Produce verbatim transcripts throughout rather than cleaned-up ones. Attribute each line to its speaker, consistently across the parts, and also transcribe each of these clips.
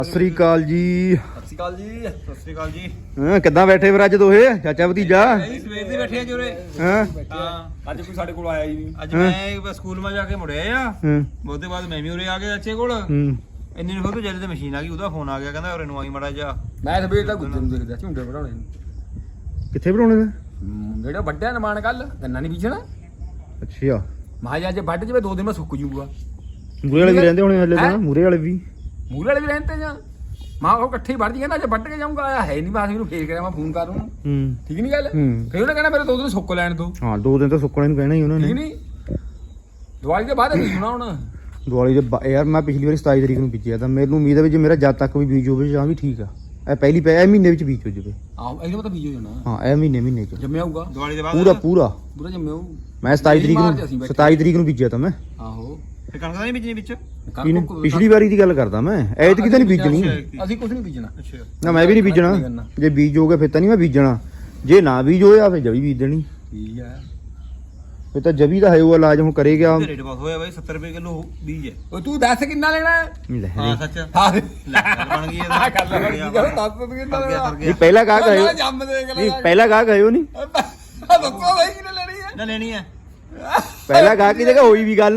Speaker 1: ਸਤਿ ਸ੍ਰੀ ਅਕਾਲ ਜੀ।
Speaker 2: ਸਤਿ ਸ੍ਰੀ ਅਕਾਲ ਜੀ। ਸਤਿ ਸ੍ਰੀ ਅਕਾਲ ਜੀ।
Speaker 1: ਹਾਂ ਕਿੱਦਾਂ ਬੈਠੇ ਫਿਰ ਅੱਜ ਦੋਹੇ ਚਾਚਾ ਭਤੀਜਾ?
Speaker 2: ਸਵੇਰ ਦੇ ਬੈਠੇ ਆ ਜੋਰੇ।
Speaker 1: ਹਾਂ
Speaker 2: ਹਾਂ ਅੱਜ ਕੋਈ ਸਾਡੇ ਕੋਲ ਆਇਆ ਹੀ ਨਹੀਂ। ਅੱਜ
Speaker 1: ਹਾਂ।
Speaker 2: ਮੈਂ ਸਕੂਲ ਮਾ ਜਾ ਕੇ ਮੁੜਿਆ ਆ।
Speaker 1: ਹੂੰ
Speaker 2: ਉਹਦੇ ਬਾਅਦ ਮੈਂ ਵੀ ਉਰੇ ਆ ਗਿਆ ਚਾਚੇ ਕੋਲ।
Speaker 1: ਹੂੰ
Speaker 2: ਇੰਨੇ ਨੂੰ ਫਿਰ ਜਦ ਤੇ ਮਸ਼ੀਨ ਆ ਗਈ ਉਹਦਾ ਫੋਨ ਆ ਗਿਆ ਕਹਿੰਦਾ ਉਰੇ ਨੂੰ ਆਈ ਮੜਾ ਜਾ।
Speaker 3: ਮੈਂ ਸਵੇਰ ਦਾ ਗੁੱਜਰ ਨੂੰ ਦੇਖਦਾ ਝੁੰਡੇ ਵੜਾਉਣੇ ਨੂੰ।
Speaker 1: ਕਿੱਥੇ ਬਣਾਉਣੇ ਨੇ?
Speaker 3: ਹਮ, ਜਿਹੜਾ ਵੱਡਿਆ ਨਮਾਨ ਕੱਲ ਗੰਨਾ ਨਹੀਂ ਬੀਜਣਾ।
Speaker 1: ਅੱਛਾ
Speaker 3: ਮਾਂ ਅੱਜ ਵੱਢ ਜਵੇ ਦੋ ਦਿਨ ਮੈਂ ਸੁੱਕ ਜੂਗਾ।
Speaker 1: ਮੂਰੇ ਵਾਲੇ ਵੀ ਰਹਿੰਦੇ ਹੋਣੇ ਹਲੇ ਤਾਂ
Speaker 3: ਹੈਂ?
Speaker 1: ਮੂਰੇ ਵਾਲੇ ਵੀ
Speaker 3: ਮੂਲੇ ਵਾਲੇ ਵੀ ਰਹਿੰਦੇ ਜਾਂ ਮਾਂ ਉਹ ਇਕੱਠੇ ਹੀ ਵੱਢ ਜੀ ਨਾ ਅੱਜ ਵੱਢ ਕੇ ਜਾਊਂਗਾ ਆਇਆ ਹੈ ਨਹੀਂ ਬਾਸ ਮੈਨੂੰ ਫੇਰ ਕਰਿਆ ਮੈਂ ਫੋਨ ਕਰ ਉਹਨੂੰ।
Speaker 1: ਹੂੰ
Speaker 3: ਠੀਕ ਨਹੀਂ ਗੱਲ?
Speaker 1: ਹੂੰ।
Speaker 3: ਫੇਰ ਉਹਨੇ ਕਹਿਣਾ ਮੇਰੇ ਦੋ ਦਿਨ ਸੁੱਕ ਲੈਣ ਦੋ।
Speaker 1: ਹਾਂ ਦੋ ਦਿਨ ਤਾਂ ਸੁੱਕਣੇ ਨੂੰ ਕਹਿਣਾ ਹੀ ਉਹਨਾਂ
Speaker 3: ਠੀਕ
Speaker 1: ਨੇ।
Speaker 3: ਨਹੀਂ ਦਿਵਾਲੀ ਦੇ ਬਾਅਦ ਬੀਜਣਾ ਹੁਣ।
Speaker 1: ਦੀਵਾਲੀ ਦੇ ਬਾ- ਯਾਰ ਮੈਂ ਪਿਛਲੀ ਵਾਰੀ ਸਤਾਈ ਤਰੀਕ ਨੂੰ ਬੀਜਿਆ ਤਾਂ ਮੈਨੂੰ ਉਮੀਦ ਹੈ ਵੀ ਜੇ ਮੇਰਾ ਜਦ ਤੱਕ ਵੀ ਬੀਜ ਹੋਵੇ ਜਾਂ ਵੀ ਠੀਕ ਆ। ਇਹ ਪਹਿਲੀ ਪੈ ਇਹ ਮਹੀਨੇ ਵਿੱਚ ਬੀਜ ਹੋ ਜਾਵੇ।
Speaker 3: ਆਹ ਇਹਦਾ ਤਾਂ ਬੀਜ ਹੋ ਜਾਣਾ।
Speaker 1: ਹਾਂ ਇਹ ਮਹੀਨੇ ਮਹੀਨੇ ਚ
Speaker 3: ਜੰਮਿਆ ਹੋਊਗਾ
Speaker 2: ਦਿਵਾਲੀ ਦੇ ਬਾਅਦ
Speaker 1: ਪੂਰਾ ਪੂਰਾ।
Speaker 3: ਪੂਰਾ ਜੰਮਿਆ ਹੋਊ।
Speaker 1: ਮੈਂ ਸਤਾਈ ਤਰੀਕ
Speaker 3: ਮਾਰਚ ਅਸੀਂ
Speaker 1: ਨੂੰ
Speaker 3: ਬੈਠੇ।
Speaker 1: ਸਤਾਈ ਤਰੀਕ ਨੂੰ ਬੀਜਿਆ ਤਾਂ ਮੈਂ।
Speaker 3: ਆਹੋ
Speaker 2: ਤੇ ਕਣਕ ਦਾ ਨਹੀਂ ਬੀਜਣੀ ਵਿੱਚ।
Speaker 1: ਇਹਨੇ ਪਿਛਲੀ ਵਾਰੀ ਦੀ ਗੱਲ ਕਰਦਾ ਮੈਂ ਐਤਕੀ ਤਾਂ ਨਹੀਂ ਬੀਜਣੀ।
Speaker 3: ਅਸੀਂ ਕੁਝ ਨਹੀਂ ਬੀਜਣਾ।
Speaker 2: ਅੱਛਾ
Speaker 1: ਨਾ ਮੈਂ ਵੀ ਨਹੀਂ ਬੀਜਣਾ। ਜੇ ਬੀਜ ਹੋਗੇ ਫਿਰ ਤਾਂ ਨਹੀਂ ਮੈਂ ਬੀਜਣਾ। ਜੇ ਨਾ ਬੀਜ ਹੋਇਆ ਫਿਰ ਜਵੀ ਬੀਜ ਦੇਣੀ।
Speaker 3: ਠੀਕ ਹੈ।
Speaker 1: ਫਿਰ ਤਾਂ ਜਵੀ ਦਾ ਹੈ ਉਹ ਇਲਾਜ ਹੁਣ ਕਰੇ ਗਿਆ।
Speaker 2: ਰੇਟ ਬਹੁਤ ਹੋਇਆ ਬਾਈ ਸੱਤਰ ਰੁਪਏ ਕਿਲੋ ਬੀਜ ਹੈ।
Speaker 3: ਉਹ ਤੂੰ ਦੱਸ ਕਿੰਨਾ ਲੈਣਾ ਹੈ?
Speaker 1: ਲੈ
Speaker 2: ਹਾਂ ਸੱਚ
Speaker 3: ਹਾਂ
Speaker 2: ਲੈ ਬਣ ਗਈ
Speaker 3: ਆ ਕਰ ਲੈ
Speaker 2: ਇਹਦਾ
Speaker 3: ਦੱਸ ਤੂੰ ਕਿੰਨਾ
Speaker 2: ਫਰ ਗਿਆ
Speaker 3: ਲੈਣਾ?
Speaker 2: ਫਰ
Speaker 1: ਨਹੀਂ
Speaker 2: ਗਿਆ
Speaker 1: ਪਹਿਲਾ ਗਾਹਕ ਆਇਓ
Speaker 3: ਮੈਂ ਜੰਮ ਦੇ
Speaker 1: ਨਹੀਂ ਪਹਿਲਾ ਗਾਹਕ ਆਇਓ ਨਹੀਂ।
Speaker 3: ਦੱਸੋ ਬਾਈ ਕਿੰਨੇ ਲੈਣੀ ਹੈ?
Speaker 2: ਨਾ ਲੈਣੀ ਹੈ
Speaker 1: ਪਹਿਲਾ ਗਾਹਕ ਦੀ ਜਗ੍ਹਾ ਹੋਈ ਵੀ ਗੱਲ।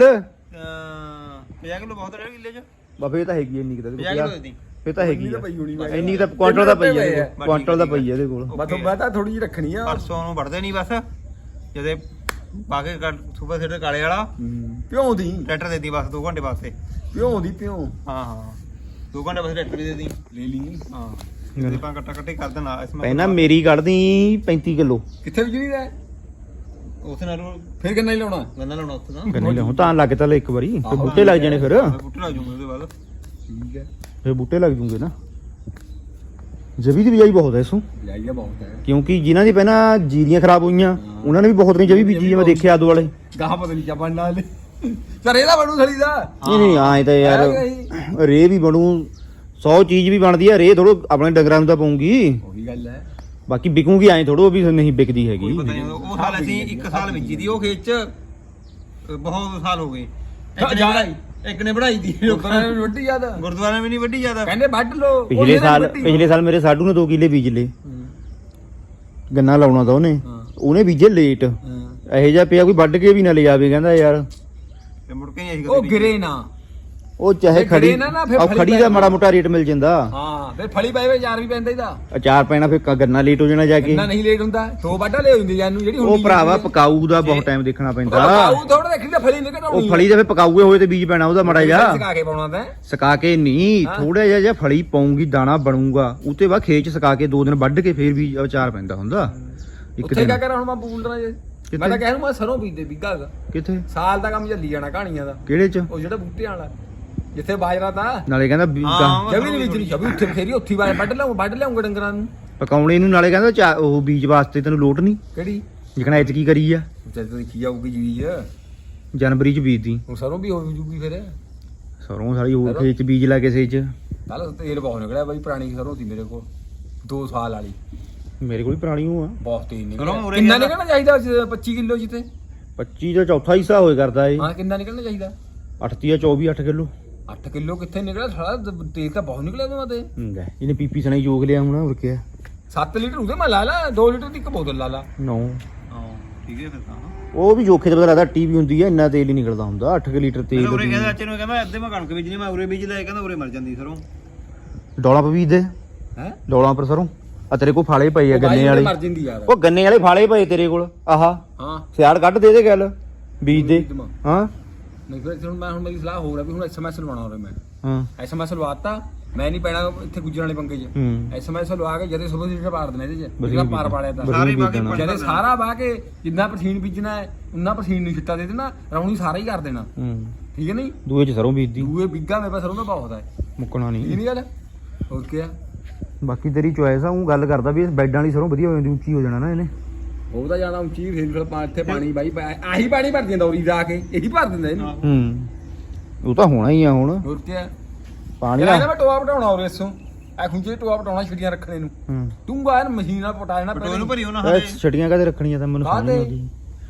Speaker 2: ਪੰਜਾਹ ਕਿਲੋ ਬਹੁਤ ਰਹਿ ਕਿੱਲੇ ਚ
Speaker 1: ਬਾਬੇ ਇਹ ਤਾਂ ਹੈਗੀ ਇੰਨੀ ਕਿਤਾ
Speaker 2: ਪੰਜਾਹ ਕਿਲੋ ਦੇ ਦੀ।
Speaker 1: ਫਿਰ ਤਾਂ ਹੈਗੀ ਆ
Speaker 3: ਪਈ ਹੋਣੀ ਮੈਂ
Speaker 1: ਇੰਨੀ ਤਾਂ ਕੁਆਂਟਲ ਦਾ ਪਈ ਆ ਇਹਦੇ ਕੋਲ। ਕੁਆਂਟਲ ਦਾ ਪਈ ਆ ਇਹਦੇ ਕੋਲ।
Speaker 3: ਮੈਂ ਤਾਂ ਮੈਂ ਤਾਂ ਥੋੜੀ ਜਿਹੀ ਰੱਖਣੀ ਆ।
Speaker 2: ਪਰਸੋਂ ਨੂੰ ਵੜਦੇ ਨਹੀਂ ਬਸ ਜਦੇ ਪਾ ਕੇ ਸੁਪਰ ਸੀਡਰ ਕਾਲੇ ਵਾਲਾ
Speaker 3: ਪਿਓ ਦੀ
Speaker 2: ਟਰੈਕਟਰ ਦੇ ਦੀ ਬਸ ਦੋ ਘੰਟੇ ਵਾਸਤੇ।
Speaker 3: ਪਿਓ ਦੀ ਪਿਓ
Speaker 2: ਹਾਂ ਹਾਂ ਦੋ ਘੰਟੇ ਵਾਸਤੇ ਟਰੈਕਟਰ ਦੇ ਦੀ।
Speaker 3: ਲੈ ਲਈ।
Speaker 2: ਹਾਂ ਤੇ ਪਾ ਕੱਟਾ ਕੱਟੇ ਕਰ ਦੇਣਾ ਇਸ
Speaker 1: ਪਹਿਲਾਂ ਮੇਰੀ ਕੱਢਦੀ ਪੈਂਤੀ ਕਿਲੋ
Speaker 3: ਕਿੱਥੇ ਵਿਜਣੀ ਦਾ
Speaker 2: ਉਸ ਨਾਲ
Speaker 3: ਫਿਰ ਕਿੰਨਾ ਹੀ ਲਾਉਣਾ?
Speaker 2: ਗੰਨਾ ਲਾਉਣਾ ਉੱਥੇ ਨਾ
Speaker 1: ਗੰਨੇ ਲਿਆਉਂ ਤਾਂ ਲੱਗ ਤਾਂ ਲੈ ਇੱਕ ਵਾਰੀ ਫਿਰ ਬੂਟੇ ਲੱਗ ਜਾਣੇ ਫਿਰ
Speaker 2: ਬੂਟੇ ਲੱਗ ਜੂਗੇ ਉਹਦੇ ਬਾਅਦ।
Speaker 3: ਠੀਕ ਹੈ।
Speaker 1: ਫਿਰ ਬੂਟੇ ਲੱਗ ਜੂਗੇ ਨਾ। ਜਵੀ ਦੀ ਬਿਜਾਈ ਬਹੁਤ ਹੈ ਇਸੋਂ
Speaker 3: ਜਾਈਆ ਬਹੁਤ ਹੈ
Speaker 1: ਕਿਉਂਕਿ ਜਿਨ੍ਹਾਂ ਦੀ ਪਹਿਲਾਂ ਜੀਰੀਆਂ ਖਰਾਬ ਹੋਈਆਂ ਉਹਨਾਂ ਨੇ ਵੀ ਬਹੁਤ ਨਹੀਂ ਜਵੀ ਬੀਜੀ। ਮੈਂ ਦੇਖਿਆ ਆਦੂ ਵਾਲੇ।
Speaker 3: ਗਾਹ ਪਤਾ ਨਹੀਂ ਕਿਆ ਬਣਨਾ ਹਲੇ। ਸਰ ਇਹਦਾ ਬਣੂ ਥਲੀ ਦਾ।
Speaker 1: ਨਹੀਂ ਨਹੀਂ ਆਏ ਤਾਂ ਯਾਰ ਰੇ ਵੀ ਬਣੂ ਸੌ ਚੀਜ਼ ਵੀ ਬਣਦੀ ਆ। ਰੇ ਥੋੜੋ ਆਪਣੇ ਡੰਗਰਾਂ ਨੂੰ ਤਾਂ ਪਾਉਂਗੀ
Speaker 3: ਉਹੀ ਗੱਲ ਹੈ।
Speaker 1: ਬਾਕੀ ਵਿਕੂਗੀ ਐਂ ਥੋੜੋ ਵੀ ਨਹੀਂ ਵਿਕਦੀ ਹੈਗੀ।
Speaker 2: ਕੋਈ ਪਤਾ ਨਹੀਂ ਉਹ ਸਾਲ ਅਸੀਂ ਇੱਕ ਸਾਲ ਬੀਜੀ ਦੀ ਉਹ ਖੇਤ ਚ ਬਹੁਤ ਸਾਲ ਹੋ ਗਏ। ਇੱਕ ਨੇ ਬਣਾਈ ਇੱਕ ਨੇ ਬਣਾਈ ਦੀ
Speaker 3: ਲੋਕਾਂ ਨੇ ਵੱਡੀ ਜ਼ਿਆਦਾ
Speaker 2: ਗੁਰਦੁਆਰਾ ਵੀ ਨਹੀਂ ਵੱਡੀ ਜ਼ਿਆਦਾ।
Speaker 3: ਕਹਿੰਦੇ ਵੱਢ ਲੋ।
Speaker 1: ਪਿਛਲੇ ਸਾਲ ਪਿਛਲੇ ਸਾਲ ਮੇਰੇ ਸਾਡੂ ਨੇ ਦੋ ਕਿੱਲੇ ਬੀਜ ਲਏ। ਗੰਨਾ ਲਾਉਣਾ ਤਾਂ ਉਹਨੇ ਉਹਨੇ ਬੀਜੇ ਲੇਟ। ਇਹੋ ਜਿਹਾ ਪਿਆ ਕੋਈ ਵੱਢ ਕੇ ਵੀ ਨਾ ਲੈ ਜਾਵੇ ਕਹਿੰਦਾ ਯਾਰ।
Speaker 2: ਤੇ ਮੁੜ ਕੇ ਨਹੀਂ ਅਸੀਂ
Speaker 3: ਉਹ
Speaker 2: ਕਦੇ
Speaker 3: ਗਿਰੇ ਨਾ।
Speaker 1: ਉਹ ਚਾਹੇ
Speaker 3: ਫਿਰ
Speaker 1: ਖੜੀ
Speaker 3: ਖੜੀ ਨਾ ਨਾ ਫਿਰ
Speaker 1: ਉਹ
Speaker 3: ਫਲੀ
Speaker 1: ਖੜੀ ਦਾ ਮਾੜਾ ਮੋਟਾ ਰੇਟ ਮਿਲ ਜਾਂਦਾ।
Speaker 3: ਹਾਂ ਫਿਰ ਫਲੀ ਪਏ ਵੇ ਯਾਰ ਵੀ ਪੈਂਦਾ ਇਹਦਾ।
Speaker 1: ਅਚਾਰ ਪੈਣਾ ਫਿਰ ਕ- ਗੰਨਾ ਲੇਟ ਹੋ ਜਾਣਾ ਜਾ ਕੇ।
Speaker 3: ਇੰਨਾ ਨਹੀਂ ਲੇਟ ਹੁੰਦਾ। ਦੋ ਵੱਢਾ ਲੈ ਹੁੰਦੀ ਜਾਨੂੰ ਜਿਹੜੀ
Speaker 1: ਉਹ ਭਰਾਵਾ ਪਕਾਊ ਦਾ ਬਹੁਤ ਟਾਈਮ ਦੇਖਣਾ ਪੈਂਦਾ।
Speaker 3: ਆਉ ਥੋੜਾ ਦੇਖੀ ਤਾਂ ਫਲੀ ਨਿਕਲ ਆਉਣੀ।
Speaker 1: ਉਹ ਫਲੀ ਦੇ ਫਿਰ ਪਕਾਊਏ ਹੋਏ ਤੇ ਬੀਜ ਪੈਣਾ ਉਹਦਾ ਮਾੜਾ ਜਿਹਾ।
Speaker 3: ਸਕਾ ਕੇ ਪਾਉਣਾ ਤਾਂ
Speaker 1: ਸਕਾ ਕੇ ਨਹੀਂ ਥੋੜਾ ਜਿਹਾ ਜਿਹਾ ਫਲੀ ਪਾਉਂਗੀ ਦਾਣਾ ਬਣੂਗਾ ਉਤੇ ਬਾਅਦ ਖੇਤ ਚ ਸਕਾ ਕੇ ਦੋ ਦਿਨ ਵੱਢ ਕੇ ਫਿਰ ਵੀ ਅਚਾਰ ਪੈਂਦਾ ਹੁੰਦਾ ਇੱਕ
Speaker 3: ਉੱਥੇ
Speaker 1: ਦਿਨ।
Speaker 3: ਕਿਆ ਕਰਾਂ ਹੁਣ ਮੈਂ ਬੂਲਣਾ ਜੇ ਮੈਂ ਤਾਂ ਕਹਿ ਨੂੰ ਮੈਂ ਸਰੋਂ ਬੀਜਦੇ ਬਿੱਗਾ ਹੈਗਾ।
Speaker 1: ਕਿੱਥੇ
Speaker 3: ਸਾਲ ਦਾ ਕੰਮ ਚੱਲੀ ਜਾਣਾ ਕਹਾਣੀਆਂ ਦਾ।
Speaker 1: ਕਿਹੜੇ ਚ?
Speaker 3: ਉਹ ਜਿਹੜਾ ਬੂਟੇ ਵਾਲਾ ਜਿੱਥੇ ਬਾਜਰਾ ਤਾਂ
Speaker 1: ਨਾਲੇ ਕਹਿੰਦਾ ਵੀ
Speaker 2: ਹਾਂ,
Speaker 1: ਗਾਂ-
Speaker 3: ਜਵੀ ਨਹੀਂ ਬੀਜਣੀ ਜਵੀ ਉੱਥੇ ਫੇਰੀ ਉੱਥੀ ਬਾਜ ਵੱਢ ਲਿਆਉਂ ਵੱਢ ਲਿਆਉਂਗਾ ਡੰਗਰਾਂ ਨੂੰ।
Speaker 1: ਪਕਾਉਣੇ ਨੂੰ ਨਾਲੇ ਕਹਿੰਦਾ ਚਾ- ਉਹ ਬੀਜ ਵਾਸਤੇ ਤੈਨੂੰ ਲੋਟ ਨਹੀਂ
Speaker 3: ਕਿਹੜੀ
Speaker 1: ਜਿਕਣਾ ਐਤ ਕੀ ਕਰੀ ਆ
Speaker 3: ਜਦ ਤੱਕ ਦੇਖੀ ਜਾਊਗੀ ਜੀਜ
Speaker 1: ਜਨਵਰੀ ਚ ਬੀਜਦੀ
Speaker 3: ਹੁਣ ਸਰੋਂ ਵੀ ਹੋ ਜੂਗੀ ਫਿਰ।
Speaker 1: ਸਰੋਂ ਸਾਰੀ ਹੋਰ ਖੇਤ ਚ ਬੀਜ ਲਾ ਕਿਸੇ ਚ।
Speaker 3: ਕੱਲ ਤੇਲ ਬਹੁਤ ਨਿਕਲਿਆ ਬਾਈ ਪੁਰਾਣੀ ਸਰੋਂ ਸੀ ਮੇਰੇ ਕੋਲ ਦੋ ਸਾਲ ਵਾਲੀ।
Speaker 1: ਮੇਰੇ ਕੋਲ ਵੀ ਪੁਰਾਣੀ ਹੋ ਆ
Speaker 3: ਬਹੁਤ ਤੇਲ
Speaker 2: ਸਰੋਂ
Speaker 3: ਨਿਕਲਿਆ।
Speaker 2: ਉਰੇ
Speaker 3: ਕਿੰਨਾ
Speaker 2: ਗਿਆ
Speaker 3: ਨਿਕਲਣਾ ਚਾਹੀਦਾ ਪੱਚੀ ਕਿਲੋ ਜਿੱਤੇ?
Speaker 1: ਪੱਚੀ ਦਾ ਚੌਥਾ ਹਿੱਸਾ ਹੋਏ ਕਰਦਾ ਏ।
Speaker 3: ਹਾਂ ਕਿੰਨਾ ਨਿਕਲਣਾ ਚਾਹੀਦਾ?
Speaker 1: ਅੱਠ ਜਾਂ ਚੌਵੀ ਅੱਠ ਕਿਲੋ
Speaker 3: ਅੱਠ ਕਿਲੋ ਕਿੱਥੇ ਨਿਕਲਿਆ ਸਾਲਾ ਤੇਲ ਤਾਂ ਬਹੁਤ ਨਿਕਲਿਆ ਉਹਦੇ ਤੇ।
Speaker 1: ਹੁੰਦਾ ਇਹਨੇ ਪੀਪੀ ਸਣੇ ਯੋਗ ਲਿਆ ਹੁਣ ਹੋਰ ਕਿਆ।
Speaker 3: ਸੱਤ ਲੀਟਰ ਉਹਦੇ ਮੈਂ ਲਾ ਲਾ ਦੋ ਲੀਟਰ ਦੀ ਇੱਕ ਬੋਤਲ ਲਾ ਲਾ।
Speaker 1: ਨੌ
Speaker 2: ਹਾਂ ਠੀਕ ਹੈ ਫਿਰ ਤਾਂ
Speaker 1: ਉਹ ਵੀ ਜੋਖੇ ਤੇ ਪਤਾ ਲੱਗਦਾ ਟੀ ਵੀ ਹੁੰਦੀ ਆ ਇੰਨਾ ਤੇਲ ਹੀ ਨਿਕਲਦਾ ਹੁੰਦਾ ਅੱਠ ਲੀਟਰ
Speaker 2: ਮੈਂ
Speaker 1: ਤੇਲ
Speaker 2: ਉਰੇ ਕਹਿੰਦਾ ਚਾਚੇ ਨੂੰ ਕਹਿੰਦਾ ਅੱਧੇ ਮੈਂ ਕਣਕ ਬੀਜਣੀ ਮੈਂ ਉਰੇ ਬੀਜ ਲਿਆ ਕਹਿੰਦਾ ਉਰੇ ਮਰ ਜਾਂਦੀ ਸਰੋਂ।
Speaker 1: ਡੋਲਾ ਪਾ ਬੀਜ ਦੇ
Speaker 3: ਹੈ
Speaker 1: ਡੋਲਾਂ ਪਰ ਸਰੋਂ ਆ ਤੇਰੇ ਕੋਲ ਫਾਲੇ ਪਏ ਆ ਗੰਨੇ ਵਾਲੇ।
Speaker 3: ਮਰ ਜਾਂਦੀ ਯਾਰ।
Speaker 1: ਉਹ ਗੰਨੇ ਵਾਲੇ ਫਾਲੇ ਪਏ ਤੇਰੇ ਕੋਲ ਆਹਾ
Speaker 3: ਹਾਂ
Speaker 1: ਸਿਆੜ ਕੱਢ ਦੇ ਦੇ ਗੱਲ ਬੀਜ ਦੇ। ਹਾਂ
Speaker 3: ਨਹੀਂ ਫਿਰ ਹੁਣ ਮੈਂ ਹੁਣ ਮੇਰੀ ਸਲਾਹ ਹੋ ਰਿਹਾ ਵੀ ਹੁਣ ਐਸਐਮਐਸ ਲਵਾਉਣਾ ਹੋਰੇ ਮੈਂ।
Speaker 1: ਹਾਂ
Speaker 3: ਐਸਐਮਐਸ ਲਵਾਤਾ ਮੈਂ ਨਹੀਂ ਪੈਣਾ ਇੱਥੇ ਗੁੱਜਰ ਵਾਲੇ ਪੰਗੇ 'ਚ।
Speaker 1: ਹੂੰ
Speaker 3: ਐਸਐਮਐਸ ਲਵਾ ਕੇ ਜਦੇ ਸੁਬਹ ਸੀਟਾ ਪਾੜ ਦੇਣਾ ਇਹਦੇ 'ਚ
Speaker 1: ਵਧੀਆ
Speaker 3: ਜਿਹੜਾ ਪਾਰ ਪਾੜਿਆ ਤਾਂ
Speaker 2: ਸਾਰੇ ਪਾ ਕੇ
Speaker 1: ਬੀਜਣਾ।
Speaker 3: ਜਦੇ ਸਾਰਾ ਵਾਹ ਕੇ ਜਿੰਨਾ ਪਸੀਨ ਬੀਜਣਾ ਹੈ ਉਨਾ ਪਸੀਨ ਨੂੰ ਛਿੱਟਾ ਦੇ ਦੇਣਾ ਰੌਣੀ ਸਾਰਾ ਹੀ ਕਰ ਦੇਣਾ।
Speaker 1: ਹੂੰ
Speaker 3: ਠੀਕ ਹੈ ਨਹੀਂ
Speaker 1: ਦੂਏ ਚ ਸਰੋਂ ਬੀਜਦੀ
Speaker 3: ਦੂਏ ਬਿੱਗਾ ਮੇਰੇ ਪਾਸ ਸਰੋਂ ਦਾ ਬਹੁਤ ਹੈ।
Speaker 1: ਮੁੱਕਣਾ
Speaker 3: ਠੀਕ
Speaker 1: ਨਹੀਂ।
Speaker 3: ਨਹੀਂ ਗੱਲ ਹੋਰ ਕੀ ਆ
Speaker 1: ਬਾਕੀ ਤੇਰੀ ਚੋਇਸ ਆ ਉਹ ਗੱਲ ਕਰਦਾ ਵੀ ਬੈਡਾਂ ਵਾਲੀ ਸਰੋਂ ਵਧੀਆ ਹੋ ਜਾਂਦੀ ਉੱਚੀ ਹੋ ਜਾਣਾ ਨਾ ਇਹਨੇ।
Speaker 3: ਉਹ ਤਾਂ ਜਾਣਾ ਉੱਚੀ ਫੇਰ ਫਿਰ ਪਾ ਇੱਥੇ ਪਾਣੀ ਬਾਈ ਆਹੀ ਪਾਣੀ ਭਰ ਦਿੰਦਾ ਉਰੀ ਜਾ ਕੇ ਇਹੀ ਭਰ ਦਿੰਦਾ ਇਹਨੂੰ।
Speaker 1: ਹੂੰ ਉਹ ਤਾਂ ਹੋਣਾ ਹੀ ਆ ਹੁਣ
Speaker 3: ਹੋਰ ਕੀ ਆ
Speaker 1: ਪਾਣੀ
Speaker 3: ਇਹਦਾ
Speaker 1: ਦਾ।
Speaker 3: ਮੈਂ ਟੋਆ ਪਟਾਉਣਾ ਉਰੇ ਇਸੋਂ ਆ ਖੁੰਝੇ ਟੋਆ ਪਟਾਉਣਾ ਛਿੜੀਆਂ ਰੱਖਣੇ ਨੂੰ।
Speaker 1: ਹੂੰ
Speaker 3: ਤੂੰ ਬਾਹਰ ਮਸ਼ੀਨ ਨਾਲ ਪਟਾ ਦੇਣਾ
Speaker 2: ਪਟੋਲ ਨੂੰ ਭਰੀ ਉਹਨਾਂ
Speaker 1: ਇਹ ਛਟੀਆਂ ਕਾਹਦੇ ਰੱਖਣੀਆਂ ਤਾਂ ਮੈਨੂੰ ਸਮਝ ਨਹੀਂ ਆਉਂਦੀ।